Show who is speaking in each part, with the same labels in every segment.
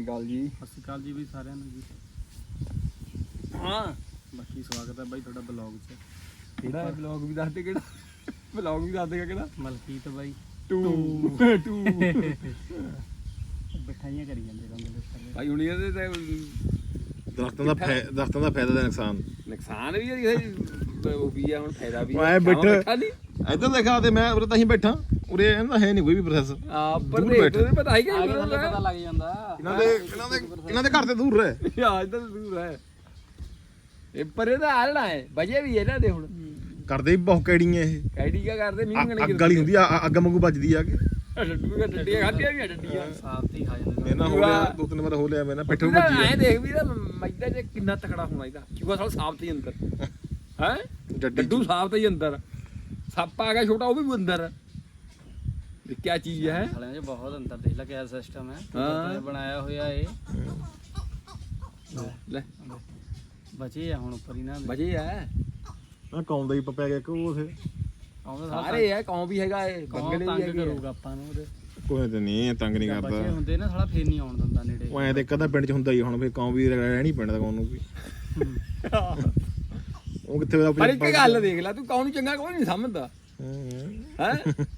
Speaker 1: ਅਕਾਲ ਜੀ।
Speaker 2: ਸਤਿ ਸ਼੍ਰੀ ਅਕਾਲ ਜੀ ਬਈ ਸਾਰਿਆਂ ਨੂੰ ਜੀ।
Speaker 1: ਹਾਂ
Speaker 2: ਬਾਕੀ ਸਵਾਗਤ ਹੈ ਬਾਈ ਤੁਹਾਡਾ ਬਲੌਗ 'ਚ।
Speaker 1: ਕਿਹੜਾ ਬਲੌਗ ਵੀ ਦੱਸ ਦੇ, ਕਿਹੜਾ ਬਲੌਗ ਵੀ ਦੱਸ ਦੇਗਾ ਕਿਹੜਾ।
Speaker 2: ਮਲਕੀਤ ਬਾਈ
Speaker 1: ਟੂ
Speaker 2: ਬਿਠਾਈਆਂ ਕਰੀ ਜਾਂਦੇ ਰਹਿੰਦੇ
Speaker 1: ਭਾਈ ਹੁਣ ਇਹਦੇ ਤੇ
Speaker 3: ਦਰਖਤਾਂ ਦਾ ਫਾਇਦਾ ਤੇ
Speaker 1: ਨੁਕਸਾਨ ਵੀ ਹੈ, ਉਹ ਵੀ ਆ, ਹੁਣ ਫਾਇਦਾ ਵੀ
Speaker 3: ਐ ਬੈਠਾ
Speaker 1: ਨਹੀਂ
Speaker 3: ਇੱਧਰ ਦੇਖਾ ਤੇ ਮੈਂ ਉਰੇ ਤਾਂ ਹੀ ਬੈਠਾ, ਉਰੇ ਇਹਦਾ ਹੈ ਨਹੀਂ ਕੋਈ ਵੀ ਪ੍ਰੋਸੈਸ।
Speaker 1: ਪਰ ਦੇਖ ਪਤਾ ਹੀ
Speaker 2: ਆਗੇ ਥੱਲੇ ਪਤਾ ਲੱਗ ਜਾਂਦਾ।
Speaker 3: ਇਹਨਾਂ ਦੇ ਘਰ ਤੇ ਦੂਰ ਰਹਿ
Speaker 1: ਆ ਇੱਧਰ ਦੂਰ ਹੈ, ਇਹ ਪਰੇ ਦਾ ਆਲਣਾ ਹੈ, ਵਜੇ ਵੀ ਇਹਨਾਂ ਦੇ ਹੁਣ
Speaker 3: ਕਰਦੇ ਵੀ ਬਹੁਤ ਕੈੜੀਆਂ ਇਹ।
Speaker 1: ਕੈਡੀ ਕਾ ਕਰਦੇ ਮੀਂਹ
Speaker 3: ਅੱਗ ਵਾਲੀ ਹੁੰਦੀ ਆ, ਅੱਗ ਵਾਂਗੂ ਵੱਜਦੀ ਆ ਕੇ।
Speaker 1: ਡੱਡੀਆਂ ਖਾਧੀਆਂ ਵੀ ਡੱਡੀਆਂ
Speaker 2: ਸਾਫ ਤੇ ਖਾ ਜਾਂਦੇ
Speaker 3: ਮੈਂ ਨਾ ਹੋ ਲਿਆ 2-3 ਵਾਰ ਹੋ ਲਿਆ, ਮੈਂ ਨਾ ਪਿੱਠੇ ਵੱਜੀ
Speaker 1: ਐ ਦੇਖ ਵੀ ਮੈਦਾ ਚ ਕਿੰਨਾ ਤਕੜਾ ਹੋਣਾ ਇਹਦਾ। ਚੂਹਾ ਸਾਲ ਸਾਫ ਤੇ ਅੰਦਰ ਹੈ, ਡੱਡੂ ਸਾਫ ਤੇ ਅੰਦਰ, ਸੱਪ ਆ ਗਿਆ ਛੋਟਾ ਉਹ ਵੀ ਅੰਦਰ। ਇਹ ਕੀ ਚੀਜ਼ ਹੈ?
Speaker 2: ਸਾਲਿਆਂ 'ਚ ਬਹੁਤ ਅੰਦਰ ਦੇਖ ਲੈ ਕਿਆ ਸਿਸਟਮ ਹੈ।
Speaker 1: ਹਾਂ।
Speaker 2: ਬਣਾਇਆ ਹੋਇਆ ਇਹ
Speaker 1: ਲੈ
Speaker 2: ਬਚੇ ਆ ਹੁਣ ਉੱਪਰ ਹੀ ਨਾ
Speaker 1: ਵਜੇ ਹੈ,
Speaker 3: ਆ ਕੌਮ ਦਾ ਹੀ ਪਪਿਆ ਗਿਆ ਕਿ ਉਥੇ
Speaker 2: ਆਉਂਦਾ
Speaker 1: ਸਾਰੇ ਹੈ, ਕੌਂ ਵੀ ਹੈਗਾ, ਇਹ ਬੰਗਲੇ ਵੀ
Speaker 2: ਤੰਗ
Speaker 1: ਹੈਗੇ
Speaker 2: ਕਰੂਗਾ ਆਪਾਂ ਨੂੰ ਉਹਦੇ।
Speaker 3: ਕੋਈ ਤੇ ਨਹੀਂ ਤੰਗ ਨਹੀਂ
Speaker 2: ਬਚੇ
Speaker 3: ਕਰਦਾ
Speaker 2: ਹੁੰਦੇ ਨਾ ਸਾਲਾ ਫੇਰ ਨਹੀਂ ਆਉਣ ਦਿੰਦਾ ਨੇੜੇ।
Speaker 3: ਉਹ ਐ ਤੇ ਕਦਾ ਪਿੰਡ ਚ ਹੁੰਦਾ ਹੀ, ਹੁਣ ਫੇ ਕੌਮ ਵੀ ਰਹਿ ਨਹੀਂ ਪੈਂਦਾ ਕੌਮ ਨੂੰ ਵੀ। ਉਹ ਕਿੱਥੇ ਆਪਣੀ
Speaker 1: ਪਰ ਇੱਕ ਗੱਲ ਦੇਖ ਲੈ, ਤੂੰ ਕੌਂ ਨੂੰ ਚੰਗਾ ਕੋਈ ਨਹੀਂ ਸਮਝਦਾ ਹੈ।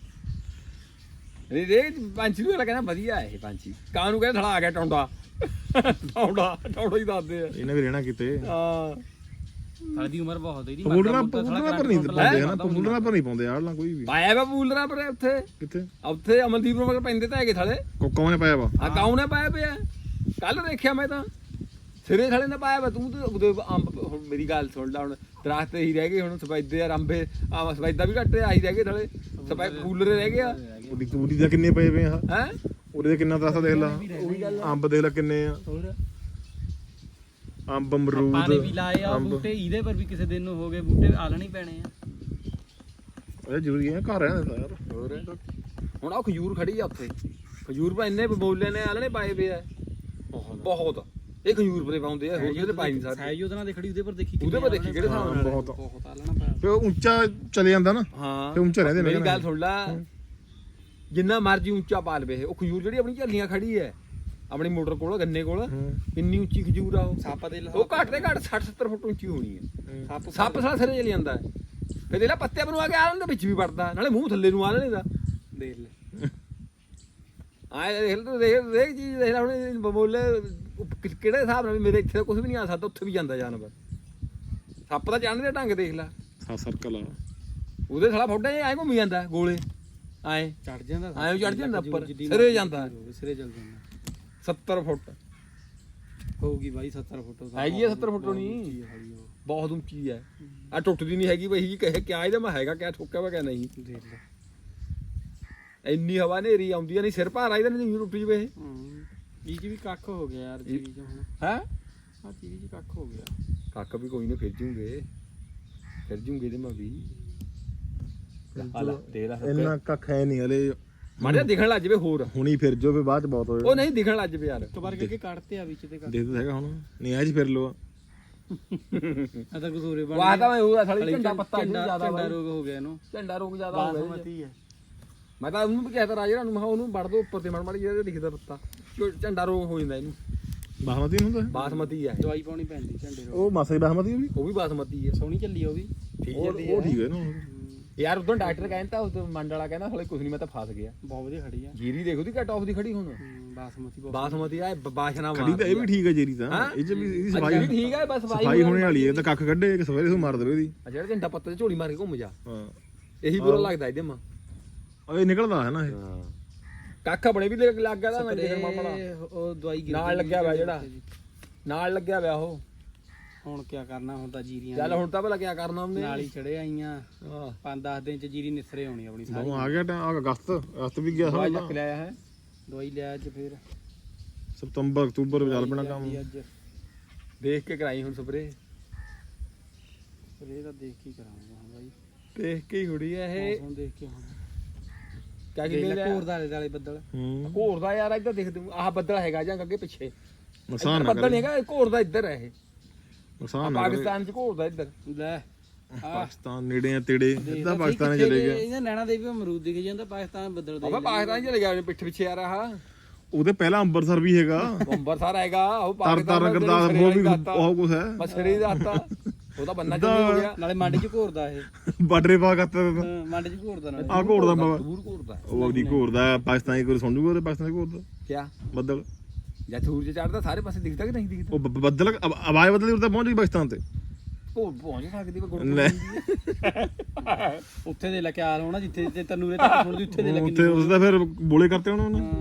Speaker 1: ਇਹ ਦੇਖ ਪੰਛੀ ਨੂੰ ਕਹਿੰਦਾ ਵਧੀਆ ਇਹ ਪੰਛੀ, ਕਾਂ ਨੂੰ ਕਹਿੰਦਾ ਥੜਾ ਆ ਗਿਆ ਟੌਂਡਾ ਟੌਂਡਾ ਹੀ ਦੱਸਦੇ ਆ।
Speaker 3: ਇਹਨੇ ਵੀ ਰਹਿਣਾ ਕਿਤੇ।
Speaker 1: ਹਾਂ
Speaker 2: ਸਾਲੇ ਦੀ ਉਮਰ ਬਹੁਤ ਹੈ ਇਹਦੀ।
Speaker 3: ਪਪੂਲਰਾਂ ਪਰ ਨਹੀਂ ਪਾਉਂਦੇ ਹਨਾ, ਪਪੂਲਰਾਂ ਪਰ ਨਹੀਂ ਪਾਉਂਦੇ ਆੜਲਾਂ ਕੋਈ ਵੀ।
Speaker 1: ਪਾਇਆ ਵਾ ਬੂਲਰਾਂ ਪਰ ਉੱਥੇ
Speaker 3: ਕਿੱਥੇ
Speaker 1: ਉੱਥੇ ਅਮਨਦੀਪ ਨੂੰ ਮਗਰ ਪੈਂਦੇ ਤਾਂ ਹੈਗੇ ਥਾਲੇ।
Speaker 3: ਕੋਕਾਂ ਨੇ ਪਾਇਆ ਵਾ।
Speaker 1: ਆ ਕਾਉ ਨੇ ਪਾਇਆ ਪਿਆ, ਕੱਲ ਦੇਖਿਆ ਮੈਂ ਤਾਂ ਸਿਰੇ ਥਾਲੇ ਨੇ ਪਾਇਆ ਵਾ। ਤੂੰ ਤੇ ਉਹਦੇ ਅੰਬ, ਹੁਣ ਮੇਰੀ ਗੱਲ ਸੁਣ ਲੈ, ਹੁਣ ਦਰਖਤ ਹੀ ਰਹਿ ਗਏ ਹੁਣ, ਸਫੈਦੇ ਆ, ਅੰਬੇ ਆ, ਸਫੈਦਾ ਵੀ ਘੱਟ ਆਹੀ ਰਹਿ ਗਏ ਥਾਲੇ, ਫੂਲਰੇ ਰਹਿ ਗਏ ਆ।
Speaker 3: ਉਹਦੀ ਤੂੜੀ ਦਾ ਕਿੰਨੇ ਪਏ ਪਏ ਆ,
Speaker 1: ਹੈ
Speaker 3: ਉਹਦੇ ਕਿੰਨਾ ਦਰਖਤ ਦੇਖ ਲਾ,
Speaker 1: ਉਹੀ ਗੱਲ
Speaker 3: ਅੰਬ ਦੇਖ ਲਾ ਕਿੰਨੇ ਆ,
Speaker 1: ਹੋਰ
Speaker 3: ਅੰਬ ਅਮਰੂਦ
Speaker 2: ਆਪਾਂ ਨੇ ਵੀ ਲਾਏ ਆ ਬੂਟੇ, ਇਹਦੇ ਪਰ ਵੀ ਕਿਸੇ ਦਿਨ ਨੂੰ ਹੋ ਗਏ ਬੂਟੇ ਆਲਣੇ ਪੈਣੇ ਆ।
Speaker 3: ਇਹ ਜ਼ਰੂਰੀ ਹੈ, ਘਰ ਰਹਿਣਾ ਯਾਰ।
Speaker 1: ਹੋਰ ਹੁਣ ਆ ਖਜੂਰ ਖੜੀ ਆ ਉੱਥੇ, ਖਜੂਰ ਪਾ ਇੰਨੇ ਬੋਲੇ ਨੇ ਆਲਣੇ ਪਾਏ ਪਏ ਆ ਬਹੁਤ। ਇਹ ਖਜੂਰ ਪਰੇ ਪਾਉਂਦੇ ਆ, ਹੋਰ ਕਿਤੇ ਪਾਈ ਨਹੀਂ ਸਕਦੇ।
Speaker 2: ਸਾਈਜ਼ ਉਹਦੇ ਨਾਲ ਦੇਖੜੀ, ਉਹਦੇ ਪਰ ਦੇਖੀ
Speaker 1: ਉਹਦੇ ਪਰ ਦੇਖੀ ਕਿਹੜੇ ਹਿਸਾਬ ਨਾਲ
Speaker 3: ਬਹੁਤ
Speaker 2: ਬਹੁਤ ਆਲਣਾ ਪਾਇਆ।
Speaker 3: ਤੇ ਉਹ ਉੱਚਾ ਚਲੇ ਜਾਂਦਾ ਨਾ,
Speaker 1: ਹਾਂ
Speaker 3: ਤੇ ਉੱਚਾ ਰਹਿੰਦੇ ਨੇ।
Speaker 1: ਮੇਰੀ ਗੱਲ ਸੁਣ ਲੈ, ਜਿੰਨਾ ਮਰਜੀ ਉੱਚਾ ਪਾ ਲਵੇ ਉਹ ਖਜੂਰ ਜਿਹੜੀ ਆਪਣੀ ਝੱਲੀਆਂ ਖੜੀ ਹੈ ਆਪਣੀ ਮੋਟਰ ਕੋਲ, ਗੰਨੇ ਕੋਲ, ਕਿੰਨੀ ਉੱਚੀ ਖਜੂਰ ਆ ਉਹ।
Speaker 2: ਸੱਪ ਦੇ
Speaker 1: ਉਹ ਘੱਟ ਤੇ ਘੱਟ 60-70 ਫੁੱਟ ਉੱਚੀ ਹੋਣੀ ਹੈ। ਸੱਪ ਸਾਲਾ ਸਿਰੇ ਚਲੀ ਜਾਂਦਾ ਹੈ, ਫਿਰ ਇਹਦਾ ਪੱਤੇ ਬਣਾ ਕੇ ਆਲਣ ਦੇ ਵਿੱਚ ਵੀ ਵੜਦਾ, ਨਾਲੇ ਮੂੰਹ ਥੱਲੇ ਨੂੰ ਆਲਣੇ ਦਾ ਦੇਖ ਲੈ। ਆਏ ਦੇਖ ਲੈ, ਦੇਖ ਚੀਜ਼ ਦੇਖ ਲੈ ਹੁਣ ਬਮੋਲੇ ਕਿਹੜੇ ਹਿਸਾਬ ਨਾਲ ਵੀ ਮੇਰੇ ਇੱਥੇ ਕੁਝ ਵੀ ਨਹੀਂ ਆ ਸਕਦਾ, ਉੱਥੇ ਵੀ ਜਾਂਦਾ ਜਾਨਵਰ। ਸੱਪ ਦਾ ਚੜ੍ਹਨ ਦੇ ਢੰਗ ਦੇਖ ਲੈ,
Speaker 3: ਸਰਕਲ ਆ
Speaker 1: ਉਹਦੇ ਸਾਲਾ ਫੋਟਾ ਐ ਘੁੰਮੀ ਜਾਂਦਾ ਗੋਲੇ, ਐ
Speaker 2: ਚੜ ਜਾਂਦਾ,
Speaker 1: ਐਂ ਚੜ ਜਾਂਦਾ ਉੱਪਰ, ਸਿਰੇ ਜਾਂਦਾ,
Speaker 2: ਸਿਰੇ ਚੱਲ ਜਾਂਦਾ।
Speaker 1: 70 ਫੁੱਟ
Speaker 2: ਹੋਊਗੀ ਬਾਈ 70 ਫੁੱਟ
Speaker 1: ਹੈਗੀ ਆ, 70 ਫੁੱਟ ਹੋਣੀ, ਬਹੁਤ ਉੱਚੀ ਹੈ। ਆ ਟੁੱਟਦੀ ਨਹੀਂ ਹੈਗੀ ਬਈ, ਕਹੇ ਕਿਆ ਇਹਦਾ ਮੈਂ ਹੈਗਾ ਕਿਆ, ਠੋਕਿਆ ਵਾ ਕਿਆ ਨਹੀਂ।
Speaker 2: ਦੇਖ ਲੈ
Speaker 1: ਇੰਨੀ ਹਵਾ ਹਨੇਰੀ ਆਉਂਦੀ ਆ, ਨਹੀਂ ਸਿਰ ਭਾਰਾ ਇਹਦਾ ਨਹੀਂ ਟੁੱਟ ਜਵੇ ਇਹ।
Speaker 2: ਇਹ ਚ ਵੀ ਕੱਖ ਹੋ ਗਿਆ ਯਾਰ, ਚੀਜ਼ ਚ ਹੁਣ
Speaker 1: ਹੈ
Speaker 2: ਆ ਚੀਜ਼ ਚ ਕੱਖ ਹੋ ਗਿਆ।
Speaker 1: ਕੱਕ ਵੀ ਕੋਈ ਨਾ, ਫਿਰ ਜੂਗੇ ਇਹਦੇ ਮੈਂ ਵੀ
Speaker 3: ਇੰਨਾ ਕੱਖ ਹੈ ਨਹੀਂ ਹਲੇ,
Speaker 1: ਮਾੜਾ ਦਿਖਣ ਲੱਗ ਜਵੇ ਹੋਰ,
Speaker 3: ਹੁਣੀ ਫਿਰ ਜੋ ਵੀ ਬਾਅਦ ਚ ਬਹੁਤ ਹੋਏ।
Speaker 1: ਉਹ ਨਹੀਂ ਦਿਖਣ ਲੱਗ ਜਵੇ ਯਾਰ।
Speaker 2: ਇੱਕ ਵਾਰ ਕਰਕੇ ਕੱਢਤੇ ਆ ਵਿੱਚ ਤੇ ਕੱਖ।
Speaker 3: ਦੇਖ ਤਾਂ ਹੈਗਾ ਹੁਣ, ਨਹੀਂ ਐ ਜੀ ਫਿਰ ਲੋ।
Speaker 2: ਆ ਤਾਂ ਕਸੂਰੇ ਬਣ
Speaker 1: ਵਾਹ ਤਾਂ ਮੈਂ ਉਹ ਸਾਲੀ ਝੰਡਾ ਪੱਤਾ ਜ਼ਿਆਦਾ
Speaker 2: ਝੰਡਾ ਰੋਗ ਹੋ ਗਿਆ ਇਹਨੂੰ,
Speaker 1: ਝੰਡਾ ਰੋਗ ਜ਼ਿਆਦਾ ਹੋ ਗਿਆ।
Speaker 2: ਬਾਸਮਤੀ ਹੈ।
Speaker 1: ਮੈਂ ਤਾਂ ਉਹਨੂੰ ਵੀ ਕਹਿਤਾ ਰਾਜੇ ਨੂੰ, ਮੈਂ ਉਹਨੂੰ ਵੜ ਦੋ ਉੱਪਰ ਤੇ ਮੜ ਜਿਹੜਾ ਦਿਖਦਾ ਪੱਤਾ, ਝੰਡਾ ਰੋਗ ਹੋ ਜਾਂਦਾ ਇਹਨੂੰ।
Speaker 3: ਬਾਸਮਤੀ ਨਹੀਂ ਹੁੰਦਾ
Speaker 1: ਬਾਸਮਤੀ ਹੈ,
Speaker 2: ਦਵਾਈ ਪਾਉਣੀ ਪੈਂਦੀ ਝੰਡੇ ਰੋਗ।
Speaker 3: ਉਹ ਮਾਸਾ ਹੀ ਬਾਸਮਤੀ ਉਹ ਵੀ
Speaker 1: ਉਹ ਵੀ ਬਾਸਮਤੀ ਹੈ,
Speaker 2: ਸੋਹਣੀ ਚੱਲੀ ਉਹ ਵੀ ਠੀਕ ਚੱਲੀ
Speaker 3: ਉਹ ਠੀਕ ਹੈ ਨਾ।
Speaker 1: ਯਾਰ ਉਦੋਂ ਡਾਕਟਰ ਕਹਿੰਦਾ, ਉਸ ਮੰਡ ਵਾਲਾ ਕਹਿੰਦਾ ਹਲੇ ਕੁਝ ਨਹੀਂ, ਮੈਂ ਤਾਂ ਫਸ ਗਿਆ।
Speaker 2: ਬਹੁਤ ਵਧੀਆ ਖੜੀ ਆ।
Speaker 1: ਜੀਰੀ ਦੇਖੋ ਦੀ ਘਟ ਆਫ ਦੀ ਖੜੀ ਹੁਣ,
Speaker 2: ਬਾਸਮਤੀ ਬਹੁਤ
Speaker 1: ਬਾਸਮਤੀ ਆ ਬਾਸ਼ਨਾ
Speaker 3: ਖੜੀ ਤਾਂ ਇਹ ਵੀ ਠੀਕ ਹੈ ਜੇਰੀ ਤਾਂ, ਇਹ ਚ ਵੀ ਇਹਦੀ ਸਫਾਈ
Speaker 1: ਠੀਕ ਹੈ, ਬਸ
Speaker 3: ਸਫਾਈ ਹੋਣੇ ਵਾਲੀ ਹੈ। ਤਾਂ ਕੱਖ ਕੱਢੇ ਇੱਕ ਸਵੇਰੇ ਮਾਰ ਦੇਵੇ ਇਹਦੀ।
Speaker 1: ਜਿਹੜਾ ਝੰਡਾ ਪੱਤੇ ਝੋਲੀ ਮਾਰ ਕੇ ਘੁੰਮ ਜਾ,
Speaker 3: ਹਾਂ
Speaker 1: ਇਹੀ ਬੁਰਾ ਲੱਗਦਾ ਇਹਦੇ ਮਾਂ।
Speaker 3: ਇਹ ਨਿਕਲਦਾ ਹੈ ਨਾ ਇਹ।
Speaker 1: ਹਾਂ ਕੱਖ ਬਣੇ ਵੀ ਲੱਗ ਗਿਆ ਤਾਂ ਮੈਂ ਦੇਖਣ ਮਾਮਾ
Speaker 2: ਉਹ ਦਵਾਈ
Speaker 1: ਨਾਲ ਲੱਗਿਆ ਹੋਇਆ, ਜਿਹੜਾ ਨਾਲ ਲੱਗਿਆ ਹੋਇਆ ਉਹ।
Speaker 2: ਹੁਣ ਕੀ ਕਰਨਾ, ਹੁਣ ਤਾਂ ਜੀਰੀਆਂ
Speaker 1: ਚੱਲ ਹੁਣ ਤਾਂ ਭਲਾ ਕੀ ਕਰਨਾ ਉਹਨੇ,
Speaker 2: ਨਾਲ ਹੀ ਚੜੇ ਆਈਆਂ।
Speaker 1: ਹਾਂ
Speaker 2: 5-10 ਦਿਨ ਚ ਜੀਰੀ ਨਿਸਰੇ ਆਉਣੀ ਆਪਣੀ ਸਾਰੀ।
Speaker 3: ਉਹ ਆ ਗਿਆ ਟਾਈਮ, ਅਗਸਤ ਵੀ ਗਿਆ
Speaker 1: ਦਵਾਈ
Speaker 3: ਸਾਲਾ।
Speaker 1: ਚੱਕ ਲਿਆ ਹੈ,
Speaker 2: ਦਵਾਈ ਲਿਆ ਅੱਜ ਫਿਰ
Speaker 3: ਸਤੰਬਰ ਅਕਤੂਬਰ ਚੱਲ ਪੈਣਾ ਕੰਮ।
Speaker 2: ਅੱਜ
Speaker 1: ਦੇਖ ਕੇ ਕਰਾਈ ਹੁਣ ਸਪਰੇ,
Speaker 2: ਫਿਰ ਇਹ ਤਾਂ ਦੇਖ ਕੇ ਕਰਾਂਗੇ ਹੁਣ ਬਾਈ,
Speaker 1: ਦੇਖ ਕੇ ਹੀ ਹੁੜੀ ਹੈ ਇਹ।
Speaker 2: ਹੁਣ ਦੇਖ ਕੇ ਹੁਣ
Speaker 1: ਕਿਆ
Speaker 2: ਦੇਖ
Speaker 1: ਕੀ
Speaker 2: ਲੈ ਘੋਰ ਦਾ ਆਲੇ ਬੱਦਲ।
Speaker 1: ਘੋਰ ਦਾ ਯਾਰ ਇੱਧਰ ਦੇਖ ਤੂੰ, ਆਹ ਬੱਦਲ ਹੈਗਾ ਜਾਂ ਅੱਗੇ ਪਿੱਛੇ
Speaker 3: ਨੁਕਸਾਨ ਨਾ
Speaker 1: ਬੱਦਲ
Speaker 3: ਕਰੇ,
Speaker 1: ਨਹੀਂ ਹੈਗਾ, ਘੋਰ ਦਾ ਇੱਧਰ ਹੈ ਇਹ।
Speaker 3: ਨੁਕਸਾਨ ਨਾ ਕਰੇ।
Speaker 1: ਪਾਕਿਸਤਾਨ ਚ ਘੋਰ ਦਾ ਇੱਧਰ,
Speaker 2: ਲੈ
Speaker 3: ਪਾਕਿਸਤਾਨ ਨੇੜੇ ਆ ਤੇੜੇ, ਸਿੱਧਾ ਪਾਕਿਸਤਾਨ ਚਲੇ ਗਿਆ।
Speaker 2: ਇਹਨਾਂ ਨੈਣਾ ਦੇ ਵੀ ਅਮਰੂਦ ਦਿਖ ਜਾਂਦਾ, ਪਾਕਿਸਤਾਨ ਬੱਦਲ ਦੇ
Speaker 1: ਆਪਾਂ ਪਾਕਿਸਤਾਨ ਚਲੇ ਗਿਆ ਪਿੱਠ ਪਿੱਛੇ ਆ ਰਹਾ।
Speaker 3: ਉਹਦੇ ਪਹਿਲਾਂ ਅੰਮ੍ਰਿਤਸਰ ਵੀ ਹੈਗਾ
Speaker 1: ਅੰਬਰਸਰ ਹੈਗਾ ਉਹ
Speaker 3: ਤਰਨ ਗੁਰਦਾਸ ਉਹ ਵੀ ਬਹੁਤ ਕੁਝ ਹੈ
Speaker 1: ਮਸਰੀ ਦਾ ਆਤਾ ਉਹਦਾ ਬੰਨਾ ਚੱਲੀ ਹੋ ਗਿਆ
Speaker 2: ਨਾਲੇ ਮੰਡ 'ਚ ਘੋਰਦਾ ਇਹ
Speaker 3: ਬਾਰਡਰੇ ਪਾ ਕਰਤਾ
Speaker 2: ਮੰਡ 'ਚ ਘੋਰਦਾ ਨਾਲੇ
Speaker 3: ਆ ਘੋੜਦਾ ਬਾਬਾ
Speaker 1: ਦੂਰ ਘੋਰਦਾ
Speaker 3: ਉਹ ਉਹਦੀ ਘੋੜਦਾ ਪਾਕਿਸਤਾਨੀ ਕੋਈ ਸੁਣ ਜੂਗਾ ਉਹਦੇ ਪਾਕਿਸਤਾਨੀ ਘੋੜਦਾ
Speaker 1: ਕਿਆ
Speaker 3: ਬੱਦਲ
Speaker 1: ਜਾਂ ਸੂਰਜ ਚੜਦਾ ਸਾਰੇ ਪਾਸੇ ਦਿਖਦਾ ਕਿ ਨਹੀਂ ਦਿਖਦਾ
Speaker 3: ਉਹ ਬੱਦਲ ਆਵਾਜ਼ ਬਦਲੀ ਉਰ ਤਾਂ ਪਹੁੰਚ ਗਈ ਪਾਕਿਸਤਾਨ ਤੇ
Speaker 1: ਉਹ ਪਹੁੰਚ ਸਕਦੀ ਵਾ
Speaker 3: ਲੈ।
Speaker 2: ਉੱਥੇ ਦੇ ਲੱਗੇ ਹਾਲ ਹੋਣਾ ਜਿੱਥੇ ਤੇ ਤਨੂਰੇ ਤੱਕ ਸੁਣਦੀ ਉੱਥੇ ਦੇ ਲੱਗੇ
Speaker 3: ਉੱਥੇ ਉਸਦਾ ਫਿਰ ਬੋਲੇ ਕਰਤੇ ਉਹਨਾਂ ਨੇ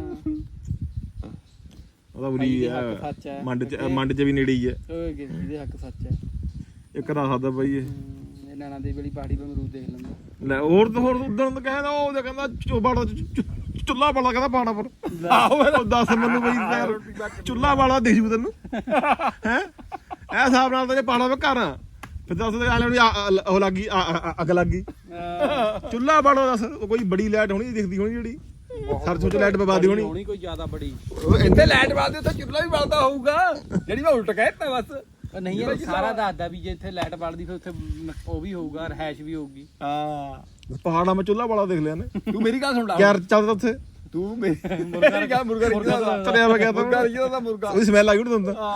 Speaker 3: ਉਹਦਾ ਬੁਰੀ
Speaker 2: ਭਾਈ ਦੇ
Speaker 3: ਹੈ
Speaker 2: ਹੱਕ ਸੱਚ ਹੈ।
Speaker 3: ਮੰਡ ਚ ਵੀ ਨੇੜੇ ਹੀ ਹੈ
Speaker 2: ਓਏ ਇਹਦੇ ਹੱਕ ਸੱਚ ਹੈ
Speaker 3: ਇੱਕ ਰਾਹ ਸਕਦਾ ਬਾਈ ਇਹ
Speaker 2: ਇਹ ਨਾਨਾ ਦੀ ਵਾਲੀ ਪਹਾੜੀ 'ਤੇ ਅਮਰੂਦ ਦੇਖ ਲੈਂਦਾ
Speaker 3: ਲੈ ਹੋਰ ਤਾਂ ਹੋਰ ਉਦੋਂ ਤਾਂ ਕਹਿੰਦਾ ਉਹ ਕਹਿੰਦਾ ਚੋਬਾੜਾ ਚੁੱਲਾ ਵਾਲਾ ਕਹਿੰਦਾ ਪਾਣਾ ਪਰ ਆਹੋ ਦੱਸ ਮੈਨੂੰ ਬਈ ਚੁੱਲਾ ਵਾਲਾ ਦੇ ਜੂ ਤੈਨੂੰ ਹੈ ਇਹ ਹਿਸਾਬ ਨਾਲ ਤਾਂ ਜੇ ਪਾਣਾ ਵੇ ਘਰ ਫਿਰ ਦੱਸ ਉਹ ਲੱਗੀ ਅੱਗ ਲੱਗੀ ਚੁੱਲਾ ਵਾਲਾ ਦੱਸ ਕੋਈ ਬੜੀ ਲਾਈਟ ਹੋਣੀ ਦਿਖਦੀ ਹੋਣੀ ਜਿਹੜੀ ਸਰਸੋਂ ਚ ਲਾਈਟ ਬਵਾਦੀ ਹੋਣੀ
Speaker 2: ਹੋਣੀ ਕੋਈ ਜ਼ਿਆਦਾ ਬੜੀ
Speaker 1: ਇੱਥੇ ਲਾਈਟ ਬਾਲਦੇ ਉੱਥੇ ਚੁੱਲ੍ਹਾ ਵੀ ਬਲਦਾ ਹੋਊਗਾ ਜਿਹੜੀ ਮੈਂ ਉਲਟ ਕਹਿਤਾ ਬਸ
Speaker 2: ਉਹ ਨਹੀਂ ਯਾਰ ਸਾਰਾ ਦੱਸਦਾ ਵੀ ਜੇ ਇੱਥੇ ਲਾਈਟ ਬਲਦੀ ਫਿਰ ਉੱਥੇ ਉਹ ਵੀ ਹੋਊਗਾ ਰਹਿਸ਼ ਵੀ ਹੋਊਗੀ
Speaker 1: ਹਾਂ
Speaker 3: ਪਹਾੜਾਂ ਮੈਂ ਚੁੱਲਾ ਵਾਲਾ ਦੇਖ ਲਿਆ ਨੇ
Speaker 1: ਤੂੰ ਮੇਰੀ ਗੱਲ ਸੁਣ ਲਾ
Speaker 3: ਯਾਰ ਚੱਲਦਾ ਉੱਥੇ
Speaker 1: ਤੂੰ ਮੇਰੀ ਗੱਲ ਮੁਰਗਾ ਰਿਜਦਾ
Speaker 3: ਚਲਿਆ ਮੈਂ ਗਿਆ ਤਾਂ
Speaker 1: ਮੁਰਗਾ ਰਿਜਦਾ ਦਾ ਮੁਰਗਾ
Speaker 3: ਉਹਦੀ ਸਮੈਲ ਆਈ ਉਹਨੂੰ ਦਿੰਦਾ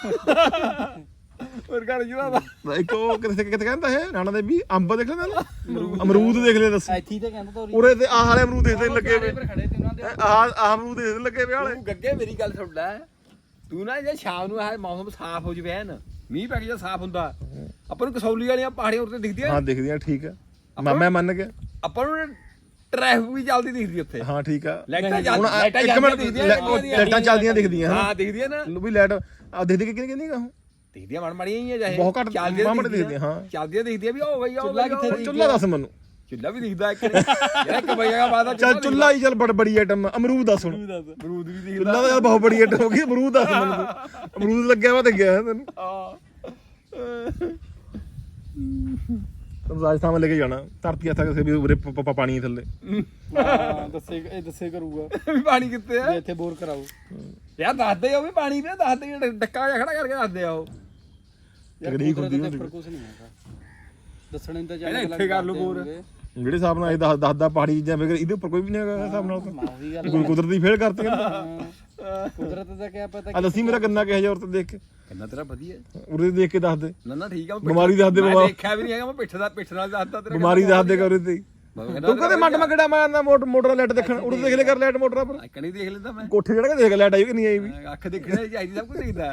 Speaker 1: ਮੁਰਗਾ ਰਿਜਦਾ ਦਾ
Speaker 3: ਇੱਕ ਉਹ ਕਿੱਥੇ ਕਹਿੰਦਾ ਹੈ ਨਾਨਾ ਦੇ ਵੀ ਅੰਬ ਦੇਖ ਲੈਂਦਾ ਅਮਰੂਦ ਦੇਖ ਲਿਆ ਦੱਸ
Speaker 2: ਇੱਥੇ ਤੇ ਕਹਿੰਦਾ ਤੋਰੀ
Speaker 3: ਉਰੇ ਤੇ ਆਹ ਵਾਲੇ ਅਮਰੂਦ ਦੇਖਦੇ ਨੇਗੇ ਵੇ
Speaker 2: ਪਰ ਖੜੇ ਤੇ ਉਹਨਾਂ ਦੇ
Speaker 3: ਆਹ ਅਮਰੂਦ ਦੇਖਦੇ ਲੱਗੇ ਵੇ ਵਾਲੇ
Speaker 1: ਤੂੰ ਗੱਗੇ ਮੇਰੀ ਗੱਲ ਸੁਣ ਲੈ ਤੂੰ ਨਾ ਜੇ ਸ਼ਾਮ ਨੂੰ ਆਹ ਮੌਸਮ ਸਾਫ਼ ਹੋ ਜਵੇ ਨਾ ਮੀਂਹ ਪੈ ਕੇ ਜਾਂ ਸਾਫ਼ ਹੁੰਦਾ ਆਪਾਂ ਨੂੰ ਕਸੌਲੀ ਵਾਲੀਆਂ ਪਹਾੜੀਆਂ ਉੱਤੇ ਦਿਖਦੀਆਂ
Speaker 3: ਹਾਂ ਦਿਖਦੀਆਂ ਠੀਕ ਆ ਮੈਂ ਮੰਨ ਗਿਆ
Speaker 1: ਆਪਾਂ ਨੂੰ ਟ੍ਰੈਫਿਕ ਵੀ ਚੱਲਦੀ ਦਿਖਦੀ ਉੱਥੇ
Speaker 3: ਹਾਂ ਠੀਕ ਆ
Speaker 1: ਲਾਈਟਾਂ
Speaker 3: ਹੁਣ
Speaker 1: ਲਾਈਟਾਂ
Speaker 3: ਇੱਕ
Speaker 1: ਚੱਲਦੀਆਂ
Speaker 3: ਮਿੰਟ
Speaker 1: ਦਿਖਦੀਆਂ
Speaker 3: ਲਾਈਟਾਂ ਚੱਲਦੀਆਂ ਦਿਖਦੀਆਂ
Speaker 1: ਹਾਂ ਦਿਖਦੀਆਂ ਨਾ
Speaker 3: ਵੀ ਲਾਈਟ ਆ ਦੇਖਦੇ ਕਿ ਕਿਹਨੇ ਕਹਿੰਦੀ ਉਹ
Speaker 1: ਦਿਖਦੀਆਂ ਮੜ ਮੜੀਆਂ ਹੀ ਆ ਜਾਏ
Speaker 3: ਬਹੁਤ ਘੱਟ
Speaker 1: ਚੱਲਦੀਆਂ
Speaker 3: ਮਾਮੜੇ ਦਿਖਦੀਆਂ ਹਾਂ
Speaker 1: ਚੱਲਦੀਆਂ ਦਿਖਦੀਆਂ ਵੀ ਹੋ ਗਈ ਆ
Speaker 2: ਚੁੱਲ੍ਹਾ ਕਿੱਥੇ
Speaker 3: ਚੁੱਲਾ ਦੱਸ ਮੈਨੂੰ
Speaker 1: ਚੁੱਲਾ ਵੀ ਦਿਖਦਾ ਇੱਕ ਜਿਹੜਾ ਇੱਕ ਬਈਆ ਬਾਅਦ
Speaker 3: ਚੱਲ ਚੁੱਲਾ ਹੀ ਚੱਲ ਬੜੀ ਆਈਟਮ ਅਮਰੂਦ ਦੱਸ ਹੁਣ
Speaker 1: ਅਮਰੂਦ ਵੀ ਦਿਖਦਾ
Speaker 3: ਚੁੱਲਾ ਤਾਂ ਬਹੁਤ ਬੜੀ ਆਈਟਮ ਹੋ ਗਈ ਅਮਰੂਦ ਦੱਸ ਮੈਨੂੰ ਤੂੰ। ਅਮਰੂਦ ਲੱਗਿਆ ਵਾ ਤੇ ਗਿਆ ਤੈਨੂੰ ਤੈਨੂੰ ਰਾਜਸਥਾਨ ਮੈਂ ਲੈ ਕੇ ਜਾਣਾ ਧਰਤੀ ਹੱਥਾਂ ਕਿਸੇ ਵੀ ਉਰੇ ਪਾਣੀ ਥੱਲੇ
Speaker 2: ਹਾਂ ਦੱਸੇ ਕਰੂਗਾ
Speaker 1: ਵੀ ਪਾਣੀ ਕਿੱਥੇ ਆ
Speaker 2: ਵੀ ਇੱਥੇ ਬੋਰ ਕਰਾਓ
Speaker 1: ਯਾਰ ਦੱਸਦੇ ਆ ਉਹ ਵੀ ਪਾਣੀ ਵੀ ਦੱਸਦੇ ਜਿਹੜਾ ਡੱਕਾ ਜਿਹਾ ਖੜਾ ਕਰਕੇ ਦੱਸਦੇ ਆ ਉਹ
Speaker 3: ਤਕਨੀਕ ਹੁੰਦੀ
Speaker 2: ਉਹਦੇ ਉੱਪਰ ਕੁਝ ਨਹੀਂ ਹੈਗਾ ਦੱਸਣੇ ਤਾਂ
Speaker 1: ਇਹਦਾ ਇੱਥੇ ਕਰ ਲਓ ਬੋਰ
Speaker 3: ਜਿਹੜੇ ਹਿਸਾਬ ਨਾਲ ਇਹ ਦੱਸਦਾ ਪਹਾੜੀ ਚੀਜ਼ਾਂ ਫਿਰ ਇਹਦੇ ਉੱਪਰ ਕੋਈ ਵੀ ਨਹੀਂ ਹੈਗਾ ਹਿਸਾਬ ਨਾਲ ਤਾਂ
Speaker 2: ਉਹੀ ਗੱਲ
Speaker 3: ਕੋਈ ਕੁਦਰਤੀ ਫੇਲ ਕਰਤੀ
Speaker 2: ਕੁਦਰਤ ਦਾ ਕਿਆ ਪਤਾ
Speaker 3: ਆ ਦੱਸੀ ਮੇਰਾ ਗੰਨਾ ਕਿਹੋ ਜਿਹਾ ਔਰ ਤੇ ਦੇਖ ਕੇ
Speaker 1: ਕਿੰਨਾ ਤੇਰਾ ਵਧੀਆ
Speaker 3: ਉਰੇ ਦੇਖ ਕੇ ਦੱਸ ਦੇ
Speaker 1: ਨਾ ਠੀਕ ਆ
Speaker 3: ਬਿਮਾਰੀ ਦੱਸ ਦੇ
Speaker 1: ਮੈਂ
Speaker 3: ਬਾਬਾ
Speaker 1: ਦੇਖਿਆ ਵੀ ਨਹੀਂ ਹੈਗਾ ਮੈਂ ਪਿੱਠ ਨਾਲ ਦੱਸਦਾ ਤੇਰਾ
Speaker 3: ਬਿਮਾਰੀ ਦੱਸ ਦੇ ਕਰ ਤੇ ਤੂੰ ਕਦੇ ਮੰਡ ਮਗੜਾ ਮਾਰਨਾ ਮੋਟਰ ਲਾਈਟ ਦੇਖਣ ਉਰੇ ਦੇਖ ਲੈ ਕਰ ਲਾਈਟ ਮੋਟਰਾਂ ਪਰ
Speaker 1: ਇੱਕ ਨਹੀਂ ਦੇਖ ਲੈਂਦਾ ਮੈਂ
Speaker 3: ਕੋਠੇ ਚੜ ਕੇ ਦੇਖ ਲਾਈਟ ਆਈ ਕਿ ਨਹੀਂ ਆਈ ਵੀ
Speaker 1: ਅੱਖ ਦੇਖਣੀ ਚਾਹੀਦੀ ਸਭ ਕੁਝ ਦਿਖਦਾ